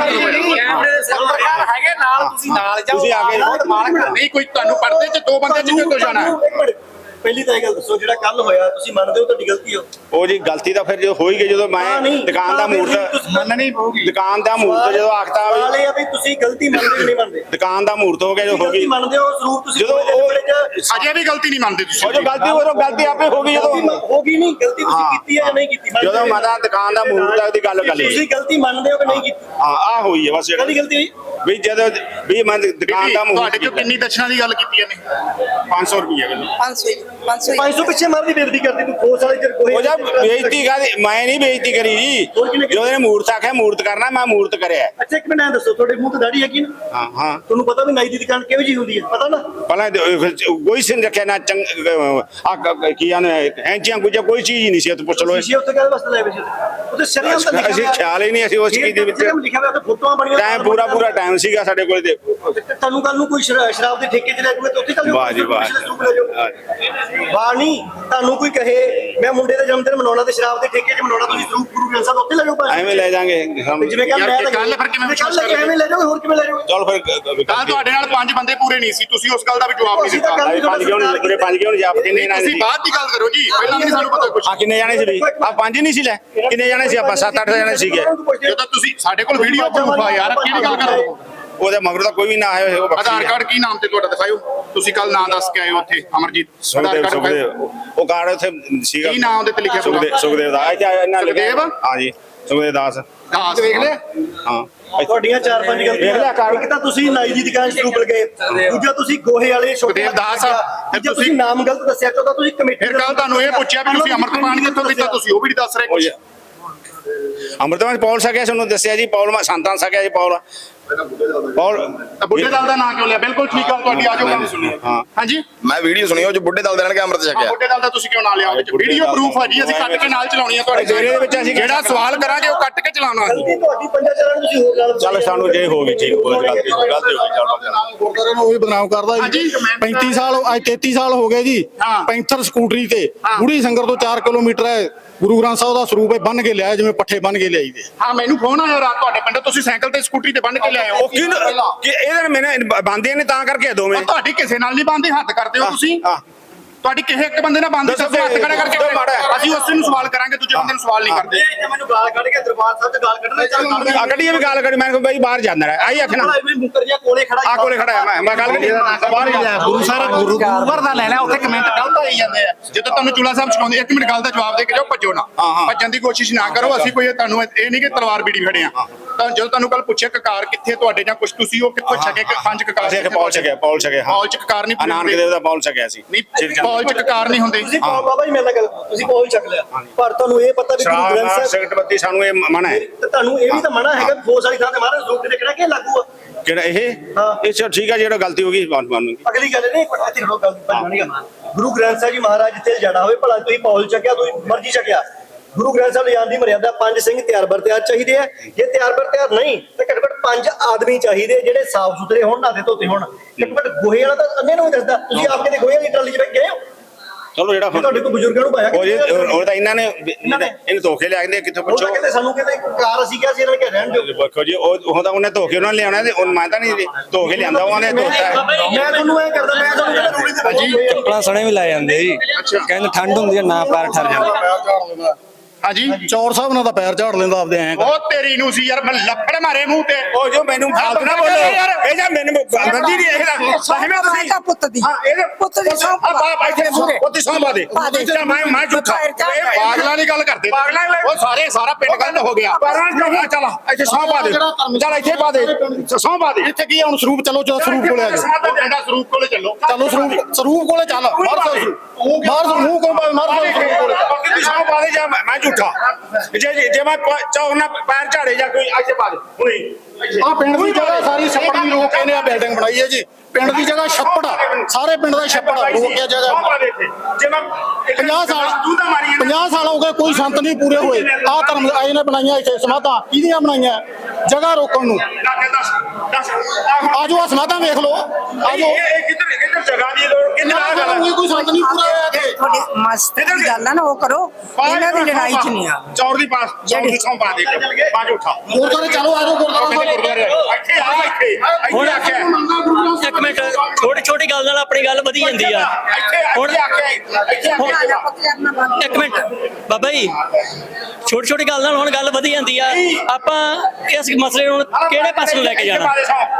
[SPEAKER 7] ਹੈਗੇ ਨਾਲ ਤੁਸੀਂ ਨਾਲ
[SPEAKER 2] ਤੁਸੀਂ ਆ ਕੇ
[SPEAKER 1] ਨਹੀਂ ਕੋਈ ਤੁਹਾਨੂੰ ਪਰਦੇ 'ਚ ਦੋ ਬੰਦੇ 'ਚ ਕਿਉਂ ਜਾਣਾ ਹੈ
[SPEAKER 6] ਪਹਿਲੀ ਤਾਂ ਇਹ ਗੱਲ ਦੱਸੋ ਜਿਹੜਾ ਕੱਲ ਹੋਇਆ ਤੁਸੀਂ ਮੰਨਦੇ ਹੋ ਤੁਹਾਡੀ ਗਲਤੀ ਹੋ
[SPEAKER 2] ਉਹ ਜੀ ਗਲਤੀ ਤਾਂ ਫਿਰ ਜਦੋਂ ਹੋਈ ਗਈ ਜਦੋਂ ਮੈਂ ਦੁਕਾਨ ਦਾ ਮੂਰਤ
[SPEAKER 6] ਮੰਨਣੀ ਪਊਗੀ
[SPEAKER 2] ਦੁਕਾਨ ਦਾ ਮੂਰਤ ਜਦੋਂ ਆਖਤਾ ਵੀ
[SPEAKER 6] ਵਾਲੇ ਆ ਵੀ ਤੁਸੀਂ ਗਲਤੀ ਮੰਨਦੇ ਕਿ ਨਹੀਂ ਮੰਨਦੇ
[SPEAKER 2] ਦੁਕਾਨ ਦਾ ਮੂਰਤ ਹੋ ਗਿਆ ਜੋ ਹੋ
[SPEAKER 6] ਗਲਤੀ
[SPEAKER 2] ਗਈ
[SPEAKER 6] ਮੰਨਦੇ ਹੋ ਸਰੂਪ ਤੁਸੀਂ
[SPEAKER 2] ਜਦੋਂ ਉਹ
[SPEAKER 1] ਅਜੇ ਵੀ ਗਲਤੀ ਨਹੀਂ ਮੰਨਦੇ ਤੁਸੀਂ
[SPEAKER 2] ਉਹ ਜੋ ਗਲਤੀ ਹੋ ਉਹ ਗਲਤੀ ਆਪੇ ਹੋ ਗਈ ਜਦੋਂ
[SPEAKER 6] ਹੋ ਗਈ ਨਹੀਂ ਗਲਤੀ ਤੁਸੀਂ
[SPEAKER 2] ਹਾਂ।
[SPEAKER 6] ਕੀਤੀ ਹੈ ਜਾਂ ਨਹੀਂ ਕੀਤੀ ਮੰਨਦੇ
[SPEAKER 2] ਜਦੋਂ
[SPEAKER 6] ਹੋ?
[SPEAKER 2] ਮਾਤਾ ਦੁਕਾਨ ਦਾ ਮੂਰਤ ਦੀ ਗੱਲ ਕਰ ਲਈ
[SPEAKER 6] ਤੁਸੀਂ ਗਲਤੀ ਮੰਨਦੇ ਹੋ ਕਿ ਨਹੀਂ ਕੀਤੀ
[SPEAKER 2] ਹਾਂ ਆ ਹੋਈ ਹੈ ਬਸ
[SPEAKER 6] ਕਾਹਦੀ
[SPEAKER 2] ਜਿਹੜੀ
[SPEAKER 6] ਗਲਤੀ ਹੋਈ
[SPEAKER 2] ਵੀ ਜਦੋਂ ਵੀ ਮੈਂ ਦੁਕਾਨ ਦਾ ਮੂਰਤ
[SPEAKER 1] ਤੁਹਾਡੇ ਚੋਂ ਕਿੰਨੀ ਦਸ਼ਨਾ ਦੀ ਗੱਲ ਕੀਤੀ ਇਹਨੇ
[SPEAKER 2] ਪੰਜ ਸੌ ਰੁਪਏ ਕਿਲੋ
[SPEAKER 5] ਪੰਜ ਸੌ ਪੰਜ ਸੌ
[SPEAKER 6] ਪੰਜ ਸੌ ਪਿੱਛੇ ਮਾਰਦੀ ਬੇਇੱਜ਼ਤੀ ਕਰਦੀ ਤੂੰ ਫੋਰਸ ਵਾਲੇ ਚਿਰ ਕੋਈ
[SPEAKER 2] ਉਹ ਜਦ ਬੇਇੱਜ਼ਤੀ ਕਾਦੀ ਮੈਂ ਨਹੀਂ ਬੇਇੱਜ਼ਤੀ ਕਰੀ ਜੀ ਜਦੋਂ ਇਹਨੇ ਮੂਰਤ ਆਖਿਆ ਮੂਰਤ ਕਰਨਾ ਮੈਂ ਮੂਰਤ ਕਰਿਆ
[SPEAKER 6] ਅੱਛਾ ਇੱਕ ਮਿੰਟ ਐਂ ਦੱਸੋ ਤੁਹਾਡੇ ਮੂੰਹ ਤੇ ਦਾੜੀ ਹੈਗੀ ਨਾ
[SPEAKER 2] ਹਾਂ ਹਾਂ
[SPEAKER 6] ਤੁਹਾਨੂੰ ਪਤਾ ਵੀ ਨਾਈ ਦੀ ਦੁਕਾਨ ਕਿਹੋ ਜਿਹੀ ਹੁੰਦੀ ਹੈ ਪਤਾ ਨਾ
[SPEAKER 2] ਪਹਿਲਾਂ ਕੋਈ ਸਿੰਘ ਰੱਖਿਆ ਨਾ ਚੰਗ ਆ ਕੀ ਆਨੇ ਐਂਚੀਆਂ ਗੁਜਾ ਕੋਈ ਚੀਜ਼ ਹੀ ਨਹੀਂ ਸੀ ਉੱਥੇ ਪੁੱਛ ਲੋ
[SPEAKER 6] ਸ਼ੀਸ਼ੇ ਉੱਤੇ ਕਾਹਦੇ ਵਾਸਤੇ ਲਾਏ ਹੋਏ ਸੀ ਉੱਤੇ ਸ਼ਰੀਆਮ ਤਾਂ ਲਿਖਿਆ
[SPEAKER 2] ਅਸੀਂ ਖਿਆਲ ਹੀ ਨਹੀਂ ਅਸੀਂ ਉਸ ਚੀਜ਼ ਦੇ ਵਿੱਚ
[SPEAKER 6] ਸ਼ਰੀਆਮ ਲਿਖਿਆ ਹੋਇਆ ਉੱਤੇ ਫੋਟੋਆਂ ਬਣੀਆਂ
[SPEAKER 2] ਟਾਈਮ ਪੂਰਾ ਪੂਰਾ ਟਾਈਮ ਸੀਗਾ ਸਾਡੇ ਕੋਲ ਤੇ
[SPEAKER 6] ਤੁਹਾਨੂੰ ਕੱਲ ਨੂੰ ਕੋਈ ਸ਼ਰਾ- ਸ਼ਰਾਬ ਦੇ ਠੇਕੇ 'ਚ ਲੈ ਜਾਊਗਾ ਤੇ ਉੱਥੇ ਚੱਲ ਜਾਓ
[SPEAKER 2] ਵਾਹ ਜੀ ਵਾਹ
[SPEAKER 6] ਵਾਹ ਨਹੀਂ ਤੁਹਾਨੂੰ ਕੋਈ ਕਹੇ ਮੈਂ ਮੁੰਡੇ ਦਾ ਜਨਮ ਦਿਨ ਮਨਾਉਣਾ ਤੇ ਸ਼ਰਾਬ ਦੇ ਠੇਕੇ 'ਚ ਮਨਾਉਣਾ ਤੁਸੀਂ ਸਰੂਪ ਗੁਰੂ ਗ੍ਰੰਥ ਸਾਹਿਬ ਉੱਥੇ ਲੈ ਜਾਓ ਭਾਵੇਂ
[SPEAKER 2] ਐਵੇਂ ਲੈ ਜਾਾਂਗੇ ਹਮ
[SPEAKER 6] ਜਿਵੇਂ ਕਿ
[SPEAKER 1] ਯਾਰ,
[SPEAKER 6] ਮੈਂ
[SPEAKER 1] ਕਿ ਕੱਲ੍ਹ ਫਿਰ ਕਿਵੇਂ ਵਿਸ਼ਵਾਸ
[SPEAKER 6] ਕੱਲ੍ਹ ਐਵੇਂ ਲੈ ਜਾਓਗੇ ਹੋਰ ਕਿਵੇਂ ਲੈ ਜਾਓਗੇ
[SPEAKER 2] ਚਲ ਫਿਰ
[SPEAKER 1] ਕੱਲ ਤੁਹਾਡੇ ਨਾਲ ਪੰਜ ਬੰਦੇ ਪੂਰੇ ਨਹੀਂ ਸੀ ਤੁਸੀਂ ਉਸ ਗੱਲ ਦਾ ਵੀ ਜਵਾਬ ਨਹੀਂ
[SPEAKER 6] ਅਸੀਂ ਤਾਂ
[SPEAKER 1] ਦਿੱਤਾ
[SPEAKER 6] ਗੱਲ-
[SPEAKER 2] ਪੰਜ ਕਿਉਂ ਨਹੀਂ ਪੂਰੇ ਪੰਜ ਕਿਉਂ ਨਹੀਂ ਜਾਪ ਕਿੰਨੇ ਜਾਣੇ
[SPEAKER 1] ਤੁਸੀਂ
[SPEAKER 2] ਸੀ
[SPEAKER 1] ਬਾਅਦ ਦੀ ਗੱਲ ਕਰੋ ਜੀ ਪਹਿਲਾਂ ਨਹੀਂ ਸਾਨੂੰ ਪਤਾ ਕੁਝ
[SPEAKER 2] ਆ ਕਿੰਨੇ ਜਾਣੇ ਸੀ ਵੀ ਆ ਪੰਜ ਹੀ ਨਹੀਂ ਸੀ ਲੈ ਕਿੰਨੇ ਜਾਣੇ ਸੀ ਆਪਾਂ ਸੱਤ ਅੱਠ ਜਾਣੇ ਸੀਗੇ
[SPEAKER 1] ਜਦੋਂ ਤੁਸੀਂ ਸਾਡੇ ਕੋਲ ਵੀਡੀਓ ਪ੍ਰੂਫ ਆ ਯਾਰ ਕਿਹੜੀ ਗੱਲ ਕਰ ਰਹੇ ਹੋ
[SPEAKER 2] ਉਹਦੇ ਮਗਰ ਤਾਂ ਕੋਈ ਵੀ ਨਾ ਆਇਆ ਹੋਇਆ ਉਹ
[SPEAKER 1] ਆਧਾਰ ਕਾਰਡ ਕੀ ਨਾਮ ਤੇ ਤੁਹਾਡਾ ਦਿਖਾਇਓ ਤੁਸੀਂ ਕੱਲ ਨਾਂ ਦੱਸ ਕੇ ਆਏ ਹੋ ਉੱਥੇ ਅਮਰਜੀਤ ਆਧਾਰ
[SPEAKER 2] ਸੁਖਦੇਵ
[SPEAKER 1] ਕਾਰਡ ਦਿਖਾਇਓ।
[SPEAKER 2] ਸੁਖਦੇਵ ਉਹ ਕਾਰਡ ਉੱਥੇ ਸੀਗਾ
[SPEAKER 1] ਕੀ ਨਾਮ ਉਹਦੇ ਤੇ ਲਿਖਿਆ
[SPEAKER 2] ਸੁਖਦੇਵ ਸੁਖਦੇਵ ਦਾ ਇੱਥੇ ਇਹਨਾਂ ਲਿਖਿਆ
[SPEAKER 1] ਸੁਖਦੇਵ?
[SPEAKER 2] ਹਾਂ ਜੀ ਸੁਖਦੇਵ ਦਾਸ
[SPEAKER 1] ਹਾਂ ਵੇਖ ਲੈ
[SPEAKER 2] ਹਾਂ
[SPEAKER 6] ਤੁਹਾਡੀਆਂ ਚਾਰ ਪੰਜ
[SPEAKER 2] ਵੇਖ ਲਿਆ
[SPEAKER 6] ਗਲਤੀਆਂ
[SPEAKER 2] ਕਰ।
[SPEAKER 6] ਇੱਕ ਤਾਂ ਤੁਸੀਂ ਨਾਈ ਦੀ ਦੁਕਾਨ ਸਰੂਪ ਲਗੇ, ਦੂਜਾ ਤੁਸੀਂ ਗੋਹੇ ਵਾਲੇ ਛੋਟੇ
[SPEAKER 1] ਸੁਖਦੇਵ ਦਾਸ,
[SPEAKER 6] ਫਿਰ
[SPEAKER 1] ਤੁਸੀਂ-
[SPEAKER 6] ਤੁਸੀਂ ਨਾਮ ਗਲਤ ਦੱਸਿਆ, ਚੌਥਾ ਤੁਸੀਂ ਕਮੇਟੀ
[SPEAKER 1] ਫਿਰ ਕੱਲ ਤੁਹਾਨੂੰ ਇਹ ਪੁੱਛਿਆ ਵੀ ਤੁਸੀਂ ਅੰਮ੍ਰਿਤ ਪਾਣੀ ਕਿੱਥੋਂ ਪੀਤਾ, ਤੁਸੀਂ ਉਹ ਵੀ ਨਹੀਂ ਦੱਸ ਰਹੇ ਕੁਝ।
[SPEAKER 2] ਅੰਮ੍ਰਿਤਵਾਨ ਪੌਲ ਸਕਿਆ ਸਾਨੂੰ ਦੱਸਿਆ ਜੀ, ਪੌਲ ਮਾ ਸੰਤਾਂ ਸਕਿਆ ਜੀ, ਪੌਲ ਪੌਲ
[SPEAKER 1] ਤਾਂ ਬੁੱਢੇ ਦਲ ਦਾ ਨਾਂ ਕਿਉਂ ਲਿਆ? ਬਿਲਕੁਲ ਠੀਕ ਆ ਤੁਹਾਡੀ, ਆਜੋ ਗੱਲ ਸੁਣੀਏ।
[SPEAKER 2] ਹਾਂ।
[SPEAKER 1] ਹਾਂਜੀ,
[SPEAKER 8] ਮੈਂ ਵੀਡੀਓ ਸੁਣੀ ਉਹ ਚ ਬੁੱਢੇ ਦਲ ਦੇ ਨਾਲ ਕਿ ਅੰਮ੍ਰਿਤ
[SPEAKER 1] ਹਾਂ,
[SPEAKER 8] ਛਕਿਆ।
[SPEAKER 1] ਬੁੱਢੇ ਦਲ ਦਾ ਤੁਸੀਂ ਕਿਉਂ ਨਾਂ ਲਿਆ? ਉਹਦੇ ਚ ਵੀਡੀਓ ਪ੍ਰੂਫ ਆ ਜੀ, ਅਸੀਂ ਕੱਟ ਕੇ ਨਾਲ ਚਲਾਉਣੀ ਆ ਤੁਹਾਡੇ
[SPEAKER 2] ਡੇਰੇ ਦੇ ਵਿੱਚ ਅਸੀਂ
[SPEAKER 1] ਜਿਹੜਾ ਸਵਾਲ ਕਰਾਂਗੇ ਉਹ ਕੱਟ ਕੇ ਚਲਾਉਣਾ ਅਸੀਂ।
[SPEAKER 6] ਗਲਤੀ ਤੁਹਾਡੀ ਪੰਜਾਂ ਚਾਰਾਂ ਨੂੰ ਤੁਸੀਂ ਹੋਰ ਨਾਲ
[SPEAKER 2] ਚੱਲ ਸਾਨੂੰ ਜੇ ਹੋ ਗਈ ਠੀਕ ਕੋਈ ਗਲਤੀ ਗਲਤੀ ਹੋ ਗਈ ਚੱਲ
[SPEAKER 9] ਗੁਰਦੁਆਰੇ ਨੂੰ ਉਹੀ ਬਦਨਾਮ ਕਰਦਾ
[SPEAKER 1] ਹਾਂਜੀ।
[SPEAKER 9] ਜੀ। ਪੈਂਤੀ ਸਾਲ ਅੱਜ ਤੇਤੀ ਸਾਲ ਹੋ ਗਏ ਜੀ।
[SPEAKER 1] ਹਾਂ।
[SPEAKER 9] ਪੈਂਥਰ ਸਕੂਟਰੀ ਤੇ
[SPEAKER 1] ਹਾਂ।
[SPEAKER 9] ਬੁੜੀ ਸੰਗਰ ਤੋਂ ਚਾਰ ਕਿਲੋਮੀਟਰ ਹੈ, ਗੁਰੂ ਗ੍ਰੰਥ ਸਾਹਿਬ ਦਾ ਸਰੂਪ ਹੈ, ਬੰਨ ਕੇ ਲਿਆਇਆ ਜਿਵੇਂ ਪੱਠੇ ਬੰਨ ਕੇ ਲਿਆਈ ਦੇ।
[SPEAKER 1] ਹਾਂ, ਮੈਨੂੰ ਫੋਨ ਆਇਆ ਰਾਤ ਤੁਹਾਡੇ ਪਿੰਡ, ਤੁਸੀਂ ਸਾਈਕਲ ਤੇ ਸਕੂਟਰੀ ਤੇ ਬੰਨ ਕੇ ਲਿਆਏ ਹੋ।
[SPEAKER 2] ਉਹ ਕੀ ਕਿ ਇਹਦੇ ਮੈਨੇ ਬੰਦੇ ਨੇ ਤਾਂ ਕਰਕੇ ਦੋਵੇਂ
[SPEAKER 1] ਉਹ ਤੁਹਾਡੀ ਕਿਸੇ ਨਾਲ ਨਹੀਂ ਬੰਦੀ, ਹੱਥ ਕਰਦੇ ਹੋ ਤੁਸੀਂ।
[SPEAKER 2] ਹਾਂ।
[SPEAKER 1] ਤੁਹਾਡੀ ਕਿਸੇ ਇੱਕ ਬੰਦੇ ਨਾਲ ਬੰਦੀ,
[SPEAKER 2] ਦੱਸੋ
[SPEAKER 1] ਤੁਸੀਂ ਹੱਥ ਖੜਾ ਕਰਕੇ
[SPEAKER 2] ਦੱਸੋ ਮਾੜਾ ਹੈ।
[SPEAKER 1] ਅਸੀਂ ਉਸੇ ਨੂੰ ਸਵਾਲ ਕਰਾਂਗੇ, ਦੂਜੇ ਬੰਦੇ ਨੂੰ ਸਵਾਲ ਨਹੀਂ ਕਰਦੇ।
[SPEAKER 6] ਇਹ ਮੈਨੂੰ ਗਾਲ ਕੱਢ ਕੇ ਦਰਬਾਰ ਸਾਹਿਬ ਤੇ ਗਾਲ ਕੱਢਣਾ ਚੱਲ ਕੱਢ
[SPEAKER 2] ਆ ਗੱਡੀ ਵੀ ਗੱਲ ਕਰੀ ਮੈਂ ਕਿਹਾ ਬਈ ਬਾਹਰ ਜਾਂਦਾ ਰਿਹਾ ਆਈ ਆਖਣਾ
[SPEAKER 6] ਮੁੱਕਰ ਜਿਹਾ ਕੋਲੇ ਖੜਾ
[SPEAKER 2] ਆ ਕੋਲੇ ਖੜਾ ਹੈ, ਮੈਂ ਮੈਂ ਗੱਲ ਕਰੀ ਬਾਹਰ ਹੀ ਜਾ
[SPEAKER 1] ਗੁਰੂ ਸਾਹਿਬ ਗੁਰੂ ਗੁਰੂਵਰ ਦਾ ਲੈ ਲਿਆ, ਉੱਥੇ ਕਮੈਂਟ ਗਲਤ ਆਈ ਜਾਂਦੇ ਆ। ਜਦੋਂ ਤੁਹਾਨੂੰ ਚੂਲਾ ਸਾਹਿਬ ਸਿਖਾਉਂਦੇ, ਇੱਕ ਮਿੰਟ ਗੱਲ ਦਾ ਜਵਾਬ ਦੇ ਕੇ ਜਾਓ, ਭੱਜੋ ਨਾ।
[SPEAKER 2] ਹਾਂ, ਹਾਂ।
[SPEAKER 1] ਭੱਜਣ ਦੀ ਕੋਸ਼ਿਸ਼ ਨਾ ਕਰੋ। ਅਸੀਂ ਕੋਈ ਤੁਹਾਨੂੰ ਇਹ ਨਹੀਂ ਕਿ ਤਲਵਾਰ ਬੀੜੀ ਫੜੇ ਆ। ਤਾਂ ਜਦੋਂ ਤੁਹਾਨੂੰ ਕੱਲ ਪੁੱਛਿਆ ਕਕਾਰ ਕਿੱਥੇ ਤੁਹਾਡੇ ਜਾਂ ਕੁਝ ਤੁਸੀਂ ਉਹ ਕਿੱਥੋਂ ਛਕੇ ਕਿ ਪੰਜ ਕਕਾਰ
[SPEAKER 2] ਅਸੀਂ ਪਹੁੰਚ ਸਕਿਆ ਪਹੁੰਚ ਸਕਿਆ ਹਾਂ
[SPEAKER 1] ਪੌਲ ਚ ਕਕਾਰ ਨਹੀਂ
[SPEAKER 2] ਨਾਨਕ ਦੇਵ ਦਾ ਪਹੁੰਚ ਸਕਿਆ ਸੀ
[SPEAKER 1] ਨਹੀਂ, ਪੌਲ ਚ ਕਕਾਰ ਨਹੀਂ ਹੁੰਦੇ।
[SPEAKER 6] ਤੁਸੀਂ ਕਹੋ ਬਾਬਾ ਜੀ ਮੇਰੇ ਨਾਲ ਗੱਲ, ਤੁਸੀਂ ਕੋਲ ਚੱਕ ਲਿਆ, ਪਰ ਤੁਹਾਨੂੰ ਇਹ ਪਤਾ ਵੀ ਗੁਰੂ
[SPEAKER 2] ਸ਼ਰਾਬ
[SPEAKER 6] ਗ੍ਰੰਥ
[SPEAKER 2] ਨਾਲ
[SPEAKER 6] ਸਾਹਿਬ
[SPEAKER 2] ਸਿਗਰਟ ਬੱਤੀ ਸਾਨੂੰ ਇਹ ਮਨਾ ਹੈ
[SPEAKER 6] ਤੇ ਤੁਹਾਨੂੰ ਇਹ ਵੀ ਤਾਂ ਮਨਾ ਹੈਗਾ ਬਹੁਤ ਸਾਰੀ ਥਾਂ ਤੇ ਮਹਾਰਾਜ ਰੋਕ ਕੇ ਦੇਖਣਾ ਕਿ ਲਾਗੂ ਆ।
[SPEAKER 2] ਕਿਹੜਾ ਇਹ
[SPEAKER 6] ਹਾਂ।
[SPEAKER 2] ਇਹ ਚਲੋ ਠੀਕ ਹੈ ਜਿਹੜਾ ਗਲਤੀ ਹੋ ਗਈ ਮੰਨ ਮੰਨੂਗੀ
[SPEAKER 6] ਅਗਲੀ ਗੱਲ ਨਹੀਂ ਪਤਾ ਇੱਥੇ ਖੜੋ, ਗੱਲ ਬਣੀ ਆ। ਗੁਰੂ ਗ੍ਰੰਥ ਸਾਹਿਬ ਜੀ ਮਹਾਰਾਜ ਜਿੱਥੇ ਜਾਣਾ ਹੋਵੇ, ਭਲਾ ਤੁਸੀਂ ਪੌਲ ਚੱਕਿਆ, ਤੁਸੀਂ ਮਰਜ਼ੀ ਚੱਕਿਆ, ਗੁਰੂ ਗ੍ਰੰਥ ਸਾਹਿਬ ਲਿਜਾਣ ਦੀ ਮਰਿਆਦਾ ਪੰਜ ਸਿੰਘ ਤਿਆਰ ਬਰ ਤਿਆਰ ਚਾਹੀਦੇ ਆ। ਜੇ ਤਿਆਰ ਬਰ ਤਿਆਰ ਨਹੀਂ ਤਾਂ ਘੱਟ ਘੱਟ ਪੰਜ ਆਦਮੀ ਚਾਹੀਦੇ ਜਿਹੜੇ ਸਾਫ਼ ਸੁਥਰੇ ਹੋਣ, ਨਹਾਤੇ ਧੋਤੇ ਹੋਣ। ਘੱਟ ਘੱਟ ਗੋਹੇ ਵਾਲਾ ਤਾਂ ਅੰਨੇ ਨੂੰ ਵੀ ਦੱਸਦਾ, ਤੁਸੀਂ ਆਪ ਕਿਤੇ ਗੋਹੇ ਵਾਲੀ ਟਰਾਲੀ 'ਚ ਬੈਠ ਗਏ ਹੋ?
[SPEAKER 2] ਚਲੋ ਜਿਹੜਾ ਹੁਣ
[SPEAKER 6] ਤੁਹਾਡੇ ਕੋਲ ਬਜ਼ੁਰਗਾਂ ਨੂੰ ਪਾਇਆ
[SPEAKER 2] ਉਹ ਇਹ- ਉਹ ਤਾਂ ਇਹਨਾਂ ਨੇ ਇਹਨੂੰ ਧੋਖੇ ਲਿਆ ਕੇ ਕਿੱਥੋਂ
[SPEAKER 6] ਉਹ
[SPEAKER 2] ਪੁੱਛੋ
[SPEAKER 6] ਤਾਂ ਕਹਿੰਦੇ ਸਾਨੂੰ ਕਹਿੰਦੇ ਕਾਰ ਅਸੀਂ ਕਿਹਾ ਸੀ ਇਹਨਾਂ ਨੇ ਕਿਹਾ ਰਹਿਣ ਦਿਓ।
[SPEAKER 2] ਦੇਖੋ ਜੀ ਉਹ ਉਹ ਤਾਂ ਉਹਨੇ ਧੋਖੇ ਉਹਨਾਂ ਨੇ ਲਿਆਉਣਾ ਤੇ ਉਹ ਮੈਂ ਤਾਂ ਨਹੀਂ ਧੋਖੇ ਲਿਆਂਦਾ ਉਹਨੇ ਧੋਤਾ ਹੈ।
[SPEAKER 6] ਮੈਂ ਤੁਹਾਨੂੰ ਇਹ ਕਰਦਾ, ਮੈਂ ਤੁਹਾਨੂੰ ਕਹਿੰਦਾ ਰੂੜੀ ਤੇ ਬੈਠੋ।
[SPEAKER 10] ਚੱਪਲਾਂ ਸਣੇ ਵੀ ਲਾਏ ਜਾਂਦੇ ਜੀ, ਕਹਿੰਦੇ ਠੰਡ ਹੁੰਦੀ ਹੈ ਨਾ ਪੈਰ ਠਰ ਜਾਂਦੇ।
[SPEAKER 1] ਹਾਂਜੀ,
[SPEAKER 9] ਚੌਰ ਸਾਹਿਬ ਨਾਲ ਤਾਂ ਪੈਰ ਝਾੜ ਲੈਂਦਾ ਆਪਦੇ ਐਂ
[SPEAKER 1] ਉਹ ਤੇਰੀ ਨੂੰ ਸੀ ਯਾਰ, ਮੈਂ ਲੱਫੜ ਮਾਰੇ ਮੂੰਹ ਤੇ।
[SPEAKER 2] ਉਹ ਜੋ ਮੈਨੂੰ ਫਾਲਤੂ ਨਾ ਬੋਲੋ ਇਹ ਜਾਂ ਮੈਨੂੰ ਗੰਦੀ ਨਹੀਂ ਇਹ ਦਾ ਸਹਿਮੇ ਤੁਸੀਂ
[SPEAKER 11] ਦਾ ਪੁੱਤ ਦੀ
[SPEAKER 2] ਹਾਂ ਇਹਦੇ
[SPEAKER 11] ਪੁੱਤ ਦੀ ਸੌਂਹ
[SPEAKER 2] ਆ ਬਾਪ ਇੱਥੇ ਪੁੱਤੀ ਸੌਂ ਪਾ ਦੇ
[SPEAKER 11] ਪਾ ਦੇ।
[SPEAKER 2] ਮੈਂ ਮੈਂ ਝੂਠਾ
[SPEAKER 1] ਇਹ ਪਾਗਲਾਂ ਦੀ ਗੱਲ ਕਰਦੇ।
[SPEAKER 2] ਪਾਗਲਾਂ ਦੀ ਗੱਲ-
[SPEAKER 1] ਉਹ ਸਾਰੇ ਸਾਰਾ ਪਿੰਡ ਗੱਲ ਹੋ ਗਿਆ।
[SPEAKER 2] ਪਰਾਂ ਕਿਉਂ ਚੱਲ ਇੱਥੇ ਸੌਂ ਪਾ ਦੇ ਚੱਲ ਇੱਥੇ ਪਾ ਦੇ ਸੌਂ ਪਾ ਦੇ
[SPEAKER 9] ਇੱਥੇ ਕੀ ਆ ਹੁਣ ਸਰੂਪ? ਚਲੋ ਚਲੋ ਸਰੂਪ ਕੋਲੇ ਆ ਜਾਓ।
[SPEAKER 1] ਪਿੰਡਾ ਸਰੂਪ ਕੋਲੇ ਚੱਲੋ।
[SPEAKER 9] ਚਲੋ ਸਰੂਪ ਸਰੂਪ ਕੋਲੇ ਚੱਲ। ਮਾਰ ਸਰੂਪ ਮਾਰ ਸਰੂਪ ਮੂੰਹ ਕੋਲ ਮਾਰ ਸਰੂਪ ਕੋਲੇ।
[SPEAKER 2] ਪੱਕੀ ਸੌਂ ਪਾ ਦੇ ਜਾਂ ਮੈਂ ਝੂਠਾ ਜੇ ਜੇ ਮੈਂ ਚੌਕ ਨਾ ਪੈਰ ਝਾੜੇ ਜਾਂ ਕੋਈ ਇੱਥੇ ਪਾ ਦੇ ਹੁਣੇ
[SPEAKER 9] ਆ ਪਿੰਡ ਦੀ ਜਗ੍ਹਾ ਸਾਰੀ ਛੱਪੜ ਦੀ ਰੋਕ ਕੇ ਇਹਨੇ ਆ ਬਿਲਡਿੰਗ ਬਣਾਈ ਹੈ ਜੀ। ਪਿੰਡ ਦੀ ਜਗ੍ਹਾ ਛੱਪੜ ਆ, ਸਾਰੇ ਪਿੰਡ ਦਾ ਛੱਪੜ ਆ, ਰੋਕ ਕੇ ਜਗ੍ਹਾ।
[SPEAKER 2] ਜੇ ਮੈਂ
[SPEAKER 9] ਪੰਜਾਹ ਸਾਲ
[SPEAKER 2] ਤੂੰ ਤਾਂ ਮਾਰੀ
[SPEAKER 9] ਪੰਜਾਹ ਸਾਲ ਹੋ ਗਏ ਕੋਈ ਸੰਤ ਨਹੀਂ ਪੂਰੇ ਹੋਏ। ਆਹ ਧਰਮ ਆਏ ਨੇ ਬਣਾਈਆਂ ਇੱਥੇ ਸਮਾਧਾਂ, ਕਿਹਦੀਆਂ ਬਣਾਈਆਂ? ਜਗ੍ਹਾ ਰੋਕਣ ਨੂੰ।
[SPEAKER 2] ਦੱਸ ਦੱਸ
[SPEAKER 9] ਆਜੋ ਆ ਸਮਾਧਾਂ ਵੇਖ ਲਓ, ਆਜੋ।
[SPEAKER 2] ਇਹ ਕਿੱਧਰ ਕਿੱਧਰ ਜਗ੍ਹਾ ਦੀ ਲੋੜ ਕਿੰਨਾ
[SPEAKER 9] ਪੰਜਾਹ ਸਾਲ ਹੋ ਗਏ ਕੋਈ ਸੰਤ ਨਹੀਂ ਪੂਰਾ ਹੋਇਆ ਇੱਥੇ।
[SPEAKER 11] ਤੁਹਾਡੇ ਮਸਤ ਦੀ ਗੱਲ ਆ ਨਾ, ਉਹ ਕਰੋ, ਇਹਨਾਂ ਦੀ ਲੜਾਈ 'ਚ ਨਹੀਂ ਆ।
[SPEAKER 2] ਚੌਰ ਦੀ ਪਾਸ ਚੌਰ ਦੀ ਸੌਂ ਪਾ ਦੇ ਬਾਜ ਉਠਾ
[SPEAKER 9] ਗੁਰਦੁਆਰੇ ਚਲੋ, ਆਜੋ ਗੁਰਦੁਆਰੇ ਸਾਹਿਬ।
[SPEAKER 2] ਇੱਥੇ ਆ ਇੱਥੇ ਇੱਥੇ ਆਖਿਆ
[SPEAKER 4] ਇੱਕ ਮਿੰਟ, ਛੋਟੀ ਛੋਟੀ ਗੱਲ ਨਾਲ ਆਪਣੀ ਗੱਲ ਵਧੀ ਜਾਂਦੀ ਆ।
[SPEAKER 2] ਇੱਥੇ
[SPEAKER 4] ਹੁਣ
[SPEAKER 2] ਇੱਥੇ ਆਖਿਆ ਇੱਥੇ
[SPEAKER 11] ਆ
[SPEAKER 2] ਆਖਿਆ
[SPEAKER 11] ਜਾ ਪੁੱਤ ਆਪਣਾ ਬੰਦ।
[SPEAKER 4] ਇੱਕ ਮਿੰਟ ਬਾਬਾ ਜੀ, ਛੋਟੀ ਛੋਟੀ ਗੱਲ ਨਾਲ ਹੁਣ ਗੱਲ ਵਧੀ ਜਾਂਦੀ ਆ। ਆਪਾਂ ਇਸ ਮਸਲੇ ਨੂੰ ਕਿਹੜੇ ਪਾਸੇ ਨੂੰ ਲੈ ਕੇ ਜਾਣਾ?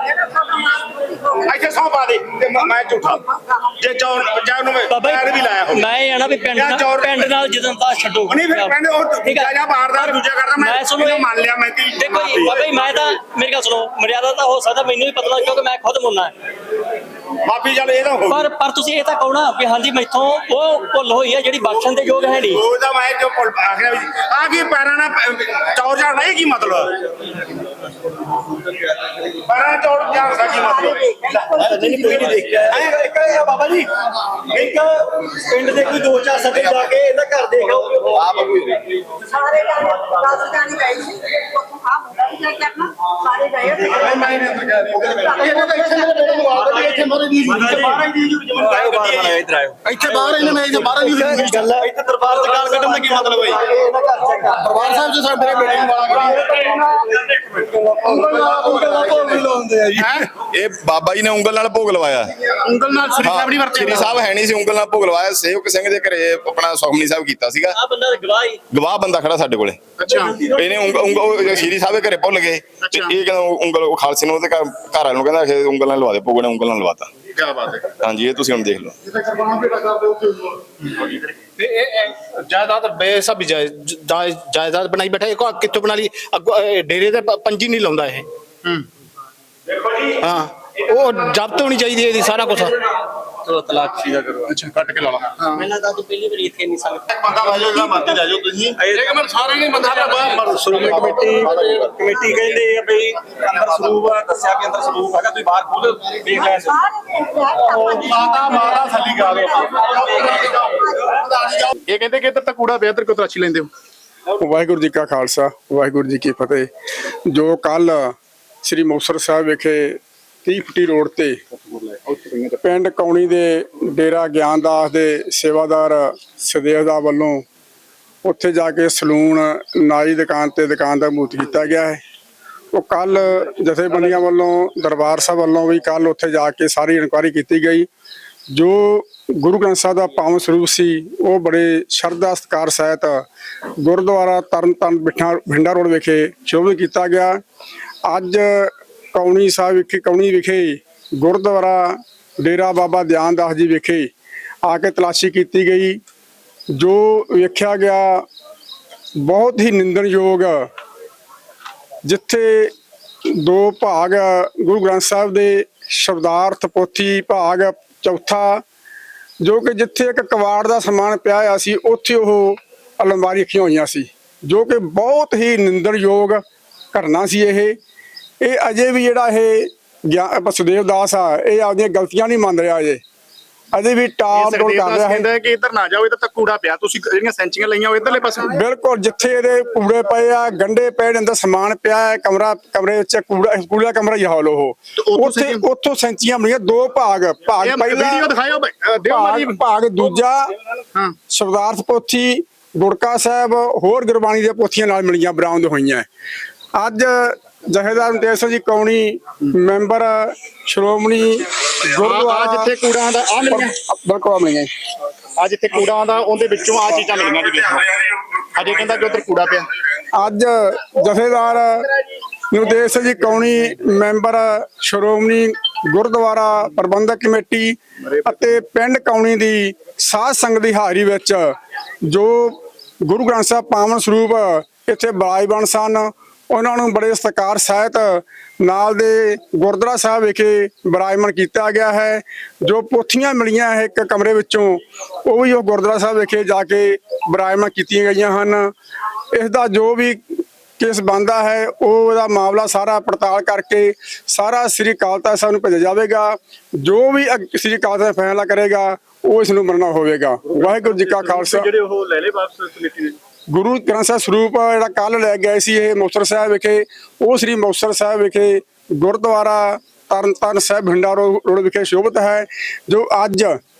[SPEAKER 2] ਇੱਥੇ ਸੌਂ ਪਾ ਦੇ ਤੇ ਮੈਂ- ਮੈਂ ਝੂਠਾ ਜੇ ਚੌਰ ਪੰਜਾਬ ਨੂੰ ਮੈਂ
[SPEAKER 4] ਬਾਬਾ
[SPEAKER 2] ਪੈਰ ਵੀ ਲਾਇਆ ਹੋ
[SPEAKER 4] ਜੀ, ਮੈਂ ਇਹ ਆਣਾ ਵੀ ਪਿੰਡ
[SPEAKER 2] ਜਾਂ
[SPEAKER 4] ਨਾਲ
[SPEAKER 2] ਚੌਰ-
[SPEAKER 4] ਪਿੰਡ ਨਾਲ ਜਦੋਂ ਤਾਂ ਛੱਡੋ।
[SPEAKER 2] ਨਹੀਂ ਫਿਰ ਕਹਿੰਦੇ ਉਹ
[SPEAKER 4] ਠੀਕ
[SPEAKER 2] ਦੂਜਾ
[SPEAKER 4] ਆ।
[SPEAKER 2] ਜਾਂ ਬਾਹਰ ਦਾ ਦੂਜਾ ਕਰਦਾ ਮੈਂ
[SPEAKER 4] ਸੁਣੋ
[SPEAKER 2] ਇਹਨੂੰ ਮੰਨ ਲਿਆ ਮੈਂ ਕਿ
[SPEAKER 4] ਦੇਖੋ ਜੀ ਬਾਬਾ ਜੀ, ਮੈਂ ਤਾਂ ਮੇਰੀ ਗੱਲ ਸੁਣੋ, ਮਰਿਆਦਾ ਤਾਂ ਹੋ ਸਕਦਾ ਮੈਨੂੰ ਵੀ ਪਤਾ ਲੱਗ, ਕਿਉਂਕਿ ਮੈਂ ਖੁਦ ਮੁੰਨਾ
[SPEAKER 2] ਮਾਫੀ ਚੱਲ ਇਹ ਤਾਂ ਹੋ
[SPEAKER 4] ਪਰ ਪਰ ਤੁਸੀਂ ਇਹ ਤਾਂ ਕਹੋ ਨਾ ਵੀ ਹਾਂਜੀ ਮੈਥੋਂ ਉਹ ਭੁੱਲ ਹੋਈ ਹੈ ਜਿਹੜੀ ਬਖਸ਼ਣ ਦੇ ਯੋਗ ਹੈ ਨਹੀਂ।
[SPEAKER 2] ਉਹ ਤਾਂ ਮੈਂ ਜੋ ਆਖਿਆ ਵੀ ਆ ਕੀ ਪੈਰਾਂ ਨਾਲ ਚੌਰ ਝਾੜਨਾ ਇਹ ਕੀ ਮਤਲਬ ਪੈਰਾਂ ਚੌਰ ਝਾੜਦਾ ਕੀ ਮਤਲਬ
[SPEAKER 6] ਨਹੀਂ ਕੋਈ ਨਹੀਂ ਦੇਖਿਆ। ਇੱਕ ਇੱਕ ਇਹ ਆ ਬਾਬਾ ਜੀ, ਇੱਕ ਪਿੰਡ ਦੇ ਕੋਈ ਦੋ ਚਾਰ ਸੱਜਣ ਜਾ ਕੇ ਇਹਦਾ ਘਰ ਦੇਖ ਆਓ।
[SPEAKER 11] ਸਾਰੇ ਜਾਣੇ ਦਸ ਜਾਣੇ ਗਏ ਸੀ, ਉੱਥੋਂ ਆਹ ਮੁੰਡਾ ਵੀ ਜਾ ਕੇ ਆਪਣਾ ਸਾਰੇ ਗਏ।
[SPEAKER 9] ਇਹਨੇ ਤਾਂ ਇੱਥੇ ਮੇਰੇ ਬੇਟੇ ਨੂੰ ਆਪ ਇੱਥੇ ਮਾਰੇ ਦੀ
[SPEAKER 6] ਬਾਹਰ ਹੀ ਦੀ ਜੂ ਜਮਨ
[SPEAKER 10] ਆਇਓ ਬਾਹਰ ਮਾਰਿਓ, ਇੱਧਰ ਆਇਓ।
[SPEAKER 9] ਇੱਥੇ ਬਾਹਰ ਇਹਨੇ ਮੈਂ ਇੱਥੇ ਬਾਹਰ ਦੀ
[SPEAKER 6] ਇੱਕ ਗੱਲ ਹੈ, ਇੱਥੇ ਦਰਬਾਰ ਚ ਗਾਲ ਕੱਢਣ ਦਾ ਕੀ ਮਤਲਬ ਹੈ? ਇਹਦਾ ਘਰ ਚੈੱਕ ਕਰ।
[SPEAKER 9] ਦਰਬਾਰ ਸਾਹਿਬ ਚ ਸਾਡੇ ਮੇਰੇ ਬੇਟੇ ਨੂੰ ਵਾਲਾ
[SPEAKER 8] ਇਹ ਬਾਬਾ ਜੀ ਨੇ ਉਂਗਲ ਨਾਲ ਭੋਗ ਲਵਾਇਆ।
[SPEAKER 1] ਉਂਗਲ ਨਾਲ ਸ੍ਰੀ ਸਾਹਿਬ ਨਹੀਂ ਵਰਤੇ।
[SPEAKER 8] ਸ੍ਰੀ ਸਾਹਿਬ ਹੈ ਨਹੀਂ ਸੀ, ਉਂਗਲ ਨਾਲ ਭੋਗ ਲਵਾਇਆ। ਸੇਵਕ ਸਿੰਘ ਦੇ ਘਰੇ ਆਪਣਾ ਸੁਖਮਨੀ ਸਾਹਿਬ ਕੀਤਾ ਸੀਗਾ।
[SPEAKER 4] ਆ ਬੰਦਾ ਗਵਾਹ ਹੀ
[SPEAKER 8] ਗਵਾਹ ਬੰਦਾ ਖੜਾ ਸਾਡੇ ਕੋਲੇ।
[SPEAKER 1] ਅੱਛਾ,
[SPEAKER 8] ਇਹਨੇ ਉਂਗ- ਉਂਗ- ਉਹ ਸ਼੍ਰੀ ਸਾਹਿਬ ਦੇ ਘਰੇ ਭੁੱਲ ਗਏ ਤੇ ਇਹ ਕਹਿੰਦਾ ਉਂਗਲ ਉਹ ਖਾਲਸੇ ਨੂੰ ਉਹਦੇ ਘਰ ਘਰ ਵਾਲੇ ਨੂੰ ਕਹਿੰਦਾ ਕਿ ਉਂਗਲ ਨਾਲ ਲਵਾ ਦੇ, ਭੋਗ ਨੇ ਉਂਗਲ ਨਾਲ ਲਵਾਤਾ।
[SPEAKER 1] ਕੀ ਬਾਤ ਹੈ।
[SPEAKER 8] ਹਾਂਜੀ ਇਹ ਤੁਸੀਂ ਹੁਣ ਦੇਖ ਲਓ।
[SPEAKER 9] ਜਿੱਥੇ ਕੁਰਬਾਨ ਭੇਟਾ ਕਰਦੇ ਉੱਥੇ
[SPEAKER 12] ਤੇ ਇਹ ਇਹ ਜਾਇਦਾਦ ਬੇਸਬ ਜਾਇਜ਼- ਜਾਇਜ਼- ਜਾਇਦਾਦ ਬਣਾਈ ਬੈਠਾ ਇਹ ਕਿੱਥੋਂ ਬਣਾ ਲਈ ਅੱਗੋਂ ਇਹ ਡੇਰੇ ਤੇ ਪ- ਪੰਜੀ ਨਹੀਂ ਲਾਉਂਦਾ ਇਹ
[SPEAKER 2] ਦੇਖੋ ਜੀ
[SPEAKER 12] ਹਾਂ ਉਹ ਜ਼ਬਤ ਹੋਣੀ ਚਾਹੀਦੀ ਹੈ ਇਹਦੀ ਸਾਰਾ ਕੁਝ
[SPEAKER 10] ਚਲੋ ਤਲਾਸ਼ੀ ਦਾ ਕਰੋ।
[SPEAKER 1] ਅੱਛਾ ਕੱਟ ਕੇ ਲਾ ਲਾ।
[SPEAKER 4] ਮੈਨੂੰ ਤਾਂ ਪਹਿਲੀ ਵਾਰੀ ਇੱਥੇ ਨਹੀਂ ਸੰਗਤ
[SPEAKER 2] ਬੰਦਾ ਵਾਜੋ ਜਿਹੜਾ ਮਰਜ਼ੀ ਲੈ ਜਾਓ ਤੁਸੀਂ
[SPEAKER 1] ਇੱਕ ਮਿੰਟ ਸਾਰੇ ਨਹੀਂ ਬੰਦਾ ਬਾਹਰ
[SPEAKER 3] ਸ਼੍ਰੋਮਣੀ ਕਮੇਟੀ ਕਮੇਟੀ ਕਹਿੰਦੇ ਆ ਵੀ ਅੰਦਰ ਸਰੂਪ ਆ, ਦੱਸਿਆ ਵੀ ਅੰਦਰ ਸਰੂਪ ਹੈਗਾ, ਤੁਸੀਂ ਬਾਹਰ ਖੋਲ ਦੇਖ ਲੈਣ ਦਿਓ।
[SPEAKER 1] ਮਾਤਾ ਮਾਤਾ ਥੱਲੀ ਗਾ ਦੋ। ਇਹ ਕਹਿੰਦੇ ਕਿ ਇੱਧਰ ਤਾਂ ਕੂੜਾ ਪਿਆ, ਇੱਧਰ ਕਿਉਂ ਤਲਾਸ਼ੀ ਲੈਂਦੇ ਹੋ?
[SPEAKER 9] ਵਾਹਿਗੁਰੂ ਜੀ ਕਾ ਖਾਲਸਾ ਵਾਹਿਗੁਰੂ ਜੀ ਕੀ ਫਤਿਹ। ਜੋ ਕੱਲ ਸ੍ਰੀ ਮੁਕਤਸਰ ਸਾਹਿਬ ਵਿਖੇ ਤੀਹ ਫੁੱਟੀ ਰੋਡ ਤੇ ਪਿੰਡ ਕੌਣੀ ਦੇ ਡੇਰਾ ਗਿਆਨਦਾਸ ਦੇ ਸੇਵਾਦਾਰ ਸਦੇਵ ਦਾ ਵੱਲੋਂ ਉੱਥੇ ਜਾ ਕੇ ਸਲੂਨ ਨਾਈ ਦੁਕਾਨ ਤੇ ਦੁਕਾਨ ਦਾ ਮੂਤ ਕੀਤਾ ਗਿਆ ਹੈ। ਉਹ ਕੱਲ ਜਥੇਬੰਦੀਆਂ ਵੱਲੋਂ ਦਰਬਾਰ ਸਾਹਿਬ ਵੱਲੋਂ ਵੀ ਕੱਲ ਉੱਥੇ ਜਾ ਕੇ ਸਾਰੀ ਇਨਕੁਆਇਰੀ ਕੀਤੀ ਗਈ। ਜੋ ਗੁਰੂ ਗ੍ਰੰਥ ਸਾਹਿਬ ਦਾ ਪਾਵਨ ਸਰੂਪ ਸੀ ਉਹ ਬੜੇ ਸ਼ਰਧਾ ਸਤਿਕਾਰ ਸਹਿਤ ਗੁਰਦੁਆਰਾ ਤਰਨਤਾਰਨ ਬਿਠਾ ਭਿੰਡਾ ਰੋਡ ਵਿਖੇ ਸ਼ੋਭਿਤ ਕੀਤਾ ਗਿਆ। ਅੱਜ ਕੌਣੀ ਸਾਹਿਬ ਵਿਖੇ ਕੌਣੀ ਵਿਖੇ ਗੁਰਦੁਆਰਾ ਡੇਰਾ ਬਾਬਾ ਦਿਆਨਦਾਸ ਜੀ ਵਿਖੇ ਆ ਕੇ ਤਲਾਸ਼ੀ ਕੀਤੀ ਗਈ। ਜੋ ਵੇਖਿਆ ਗਿਆ ਬਹੁਤ ਹੀ ਨਿੰਦਣਯੋਗ, ਜਿੱਥੇ ਦੋ ਭਾਗ ਗੁਰੂ ਗ੍ਰੰਥ ਸਾਹਿਬ ਦੇ ਸ਼ਬਦਾਰਥ ਪੋਥੀ ਭਾਗ ਚੌਥਾ, ਜੋ ਕਿ ਜਿੱਥੇ ਇੱਕ ਕਵਾੜ ਦਾ ਸਮਾਨ ਪਿਆ ਹੋਇਆ ਸੀ ਉੱਥੇ ਉਹ ਅਲਮਾਰੀ ਰੱਖੀਆਂ ਹੋਈਆਂ ਸੀ, ਜੋ ਕਿ ਬਹੁਤ ਹੀ ਨਿੰਦਣਯੋਗ ਘਟਨਾ ਸੀ। ਇਹ ਇਹ ਅਜੇ ਵੀ ਜਿਹੜਾ ਇਹ ਸੁਦੇਵ ਦਾਸ ਆ ਇਹ ਆਪਦੀਆਂ ਗਲਤੀਆਂ ਨਹੀਂ ਮੰਨ ਰਿਹਾ, ਅਜੇ ਅਜੇ ਵੀ ਟਾਲ ਟੋਲ ਕਰ ਰਿਹਾ
[SPEAKER 1] ਕਹਿੰਦਾ
[SPEAKER 9] ਹੈ।
[SPEAKER 1] ਕਿ ਇੱਧਰ ਨਾ ਜਾਓ, ਇੱਧਰ ਤਾਂ ਕੂੜਾ ਪਿਆ, ਤੁਸੀਂ ਜਿਹੜੀਆਂ ਸੈਂਚੀਆਂ ਲਈਆਂ ਉਹ ਇੱਧਰਲੇ ਪਾਸੇ।
[SPEAKER 9] ਬਿਲਕੁਲ, ਜਿੱਥੇ ਇਹਦੇ ਕੂੜੇ ਪਏ ਆ, ਗੰਡੇ ਪਏ ਨੇ, ਅੰਦਰ ਸਮਾਨ ਪਿਆ ਹੈ, ਕਮਰਾ ਕਮਰੇ ਵਿੱਚ ਕੂੜਾ ਕੂੜਾ ਕਮਰਾ ਹੀ ਹਾਲ ਉਹ ਉੱਥੇ ਉੱਥੋਂ ਸੈਂਚੀਆਂ ਬਣੀਆਂ ਦੋ ਭਾਗ ਭਾਗ ਪਹਿਲਾ
[SPEAKER 1] ਵੀਡੀਓ ਦਿਖਾਇਓ ਦਿਓ ਮਾਰੀ।
[SPEAKER 9] ਭਾਗ ਭਾਗ ਦੂਜਾ
[SPEAKER 1] ਹਾਂ
[SPEAKER 9] ਸ਼ਬਦਾਰਥ ਪੋਥੀ ਗੁਰਕਾ ਸਾਹਿਬ ਹੋਰ ਗੁਰਬਾਣੀ ਦੀਆਂ ਪੋਥੀਆਂ ਨਾਲ ਮਿਲੀਆਂ ਬਰਾਮਦ ਹੋਈਆਂ। ਅੱਜ ਜਥੇਦਾਰ ਮੁਕਤੇਸ਼ ਸਿੰਘ ਜੀ ਕੌਣੀ ਮੈਂਬਰ ਸ਼੍ਰੋਮਣੀ ਗੁਰਦੁਆਰਾ
[SPEAKER 1] ਜਿੱਥੇ ਕੂੜਾ ਦਾ ਆ ਮਿਲੀਆਂ,
[SPEAKER 9] ਬਿਲਕੁਲ ਮਿਲੀਆਂ।
[SPEAKER 1] ਆ ਜਿੱਥੇ ਕੂੜਾ ਦਾ ਉਹਦੇ ਵਿੱਚੋਂ ਆ ਚੀਜ਼ਾਂ ਮਿਲੀਆਂ ਜੀ। ਦੇਖੋ ਅਜੇ ਕਹਿੰਦਾ ਕਿ ਉੱਧਰ ਕੂੜਾ ਪਿਆ।
[SPEAKER 9] ਅੱਜ ਜਥੇਦਾਰ ਮੁਕਤੇਸ਼ ਸਿੰਘ ਜੀ ਕੌਣੀ ਮੈਂਬਰ ਸ਼੍ਰੋਮਣੀ ਗੁਰਦੁਆਰਾ ਪ੍ਰਬੰਧਕ ਕਮੇਟੀ ਅਤੇ ਪਿੰਡ ਕੌਣੀ ਦੀ ਸਾਧ ਸੰਗਤ ਦੀ ਹਾਜ਼ਰੀ ਵਿੱਚ ਜੋ ਗੁਰੂ ਗ੍ਰੰਥ ਸਾਹਿਬ ਪਾਵਨ ਸਰੂਪ ਇੱਥੇ ਬਿਰਾਜਮਾਨ ਸਨ, ਉਹਨਾਂ ਨੂੰ ਬੜੇ ਸਤਿਕਾਰ ਸਹਿਤ ਨਾਲ ਦੇ ਗੁਰਦੁਆਰਾ ਸਾਹਿਬ ਵਿਖੇ ਬਿਰਾਜਮਾਨ ਕੀਤਾ ਗਿਆ ਹੈ। ਜੋ ਪੋਥੀਆਂ ਮਿਲੀਆਂ ਹੈ ਇੱਕ ਕਮਰੇ ਵਿੱਚੋਂ, ਉਹ ਵੀ ਉਹ ਗੁਰਦੁਆਰਾ ਸਾਹਿਬ ਵਿਖੇ ਜਾ ਕੇ ਬਿਰਾਜਮਾਨ ਕੀਤੀਆਂ ਗਈਆਂ ਹਨ। ਇਸ ਦਾ ਜੋ ਵੀ ਕੇਸ ਬਣਦਾ ਹੈ ਉਹ ਉਹਦਾ ਮਾਮਲਾ ਸਾਰਾ ਪੜਤਾਲ ਕਰਕੇ ਸਾਰਾ ਸ੍ਰੀ ਅਕਾਲ ਤਖ਼ਤ ਸਾਹਿਬ ਨੂੰ ਭੇਜਿਆ ਜਾਵੇਗਾ। ਜੋ ਵੀ ਅਗ- ਸ੍ਰੀ ਅਕਾਲ ਤਖ਼ਤ ਫੈਸਲਾ ਕਰੇਗਾ ਉਹ ਇਸ ਨੂੰ ਮੰਨਣਾ ਹੋਵੇਗਾ। ਵਾਹਿਗੁਰੂ ਜੀ ਕਾ ਖਾਲਸਾ।
[SPEAKER 1] ਜਿਹੜੇ ਉਹ ਲੈ ਲੈ ਵਾਪਸ ਕਮੇਟੀ ਨੇ।
[SPEAKER 9] ਗੁਰੂ ਗ੍ਰੰਥ ਸਾਹਿਬ ਸਰੂਪ ਜਿਹੜਾ ਕੱਲ ਲੈ ਗਏ ਸੀ ਇਹ ਮੁਕਤਸਰ ਸਾਹਿਬ ਵਿਖੇ, ਉਹ ਸ੍ਰੀ ਮੁਕਤਸਰ ਸਾਹਿਬ ਵਿਖੇ ਗੁਰਦੁਆਰਾ ਤਰਨਤਾਰਨ ਸਾਹਿਬ ਭਿੰਡਾ ਰੋਡ ਵਿਖੇ ਸ਼ੋਭਿਤ ਹੈ। ਜੋ ਅੱਜ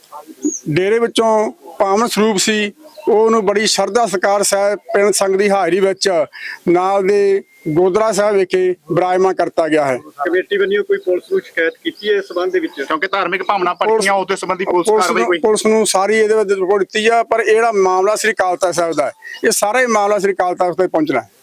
[SPEAKER 9] ਡੇਰੇ ਵਿੱਚੋਂ ਪਾਵਨ ਸਰੂਪ ਸੀ ਉਹਨੂੰ ਬੜੀ ਸ਼ਰਧਾ ਸਤਿਕਾਰ ਸਾਹਿਬ ਪਿੰਡ ਸੰਗਤ ਦੀ ਹਾਜ਼ਰੀ ਵਿੱਚ ਨਾਲ ਦੇ ਗੁਰਦੁਆਰਾ ਸਾਹਿਬ ਵਿਖੇ ਬਿਰਾਜਮਾਨ ਕਰਤਾ ਗਿਆ ਹੈ।
[SPEAKER 1] ਕਮੇਟੀ ਵੱਲੋਂ ਕੋਈ ਪੁਲਿਸ ਨੂੰ ਸ਼ਿਕਾਇਤ ਕੀਤੀ ਹੈ ਇਸ ਸੰਬੰਧ ਦੇ ਵਿੱਚ, ਕਿਉਂਕਿ ਧਾਰਮਿਕ ਭਾਵਨਾ ਪੜੀਆਂ ਉਹਦੇ ਸੰਬੰਧੀ ਪੁਲਿਸ
[SPEAKER 9] ਪੁਲਿਸ
[SPEAKER 1] ਕਾਰਵਾਈ
[SPEAKER 9] ਨੂੰ
[SPEAKER 1] ਕੋਈ?
[SPEAKER 9] ਪੁਲਿਸ ਨੂੰ ਸਾਰੀ ਇਹਦੇ ਵਿੱਚ ਰਿਪੋਰਟ ਦਿੱਤੀ ਆ, ਪਰ ਇਹ ਜਿਹੜਾ ਮਾਮਲਾ ਸ੍ਰੀ ਅਕਾਲ ਤਖ਼ਤ ਸਾਹਿਬ ਦਾ ਹੈ, ਇਹ ਸਾਰਾ ਹੀ ਮਾਮਲਾ ਸ੍ਰੀ ਅਕਾਲ ਤਖ਼ਤ ਤੇ ਪਹੁੰਚਣਾ ਹੈ।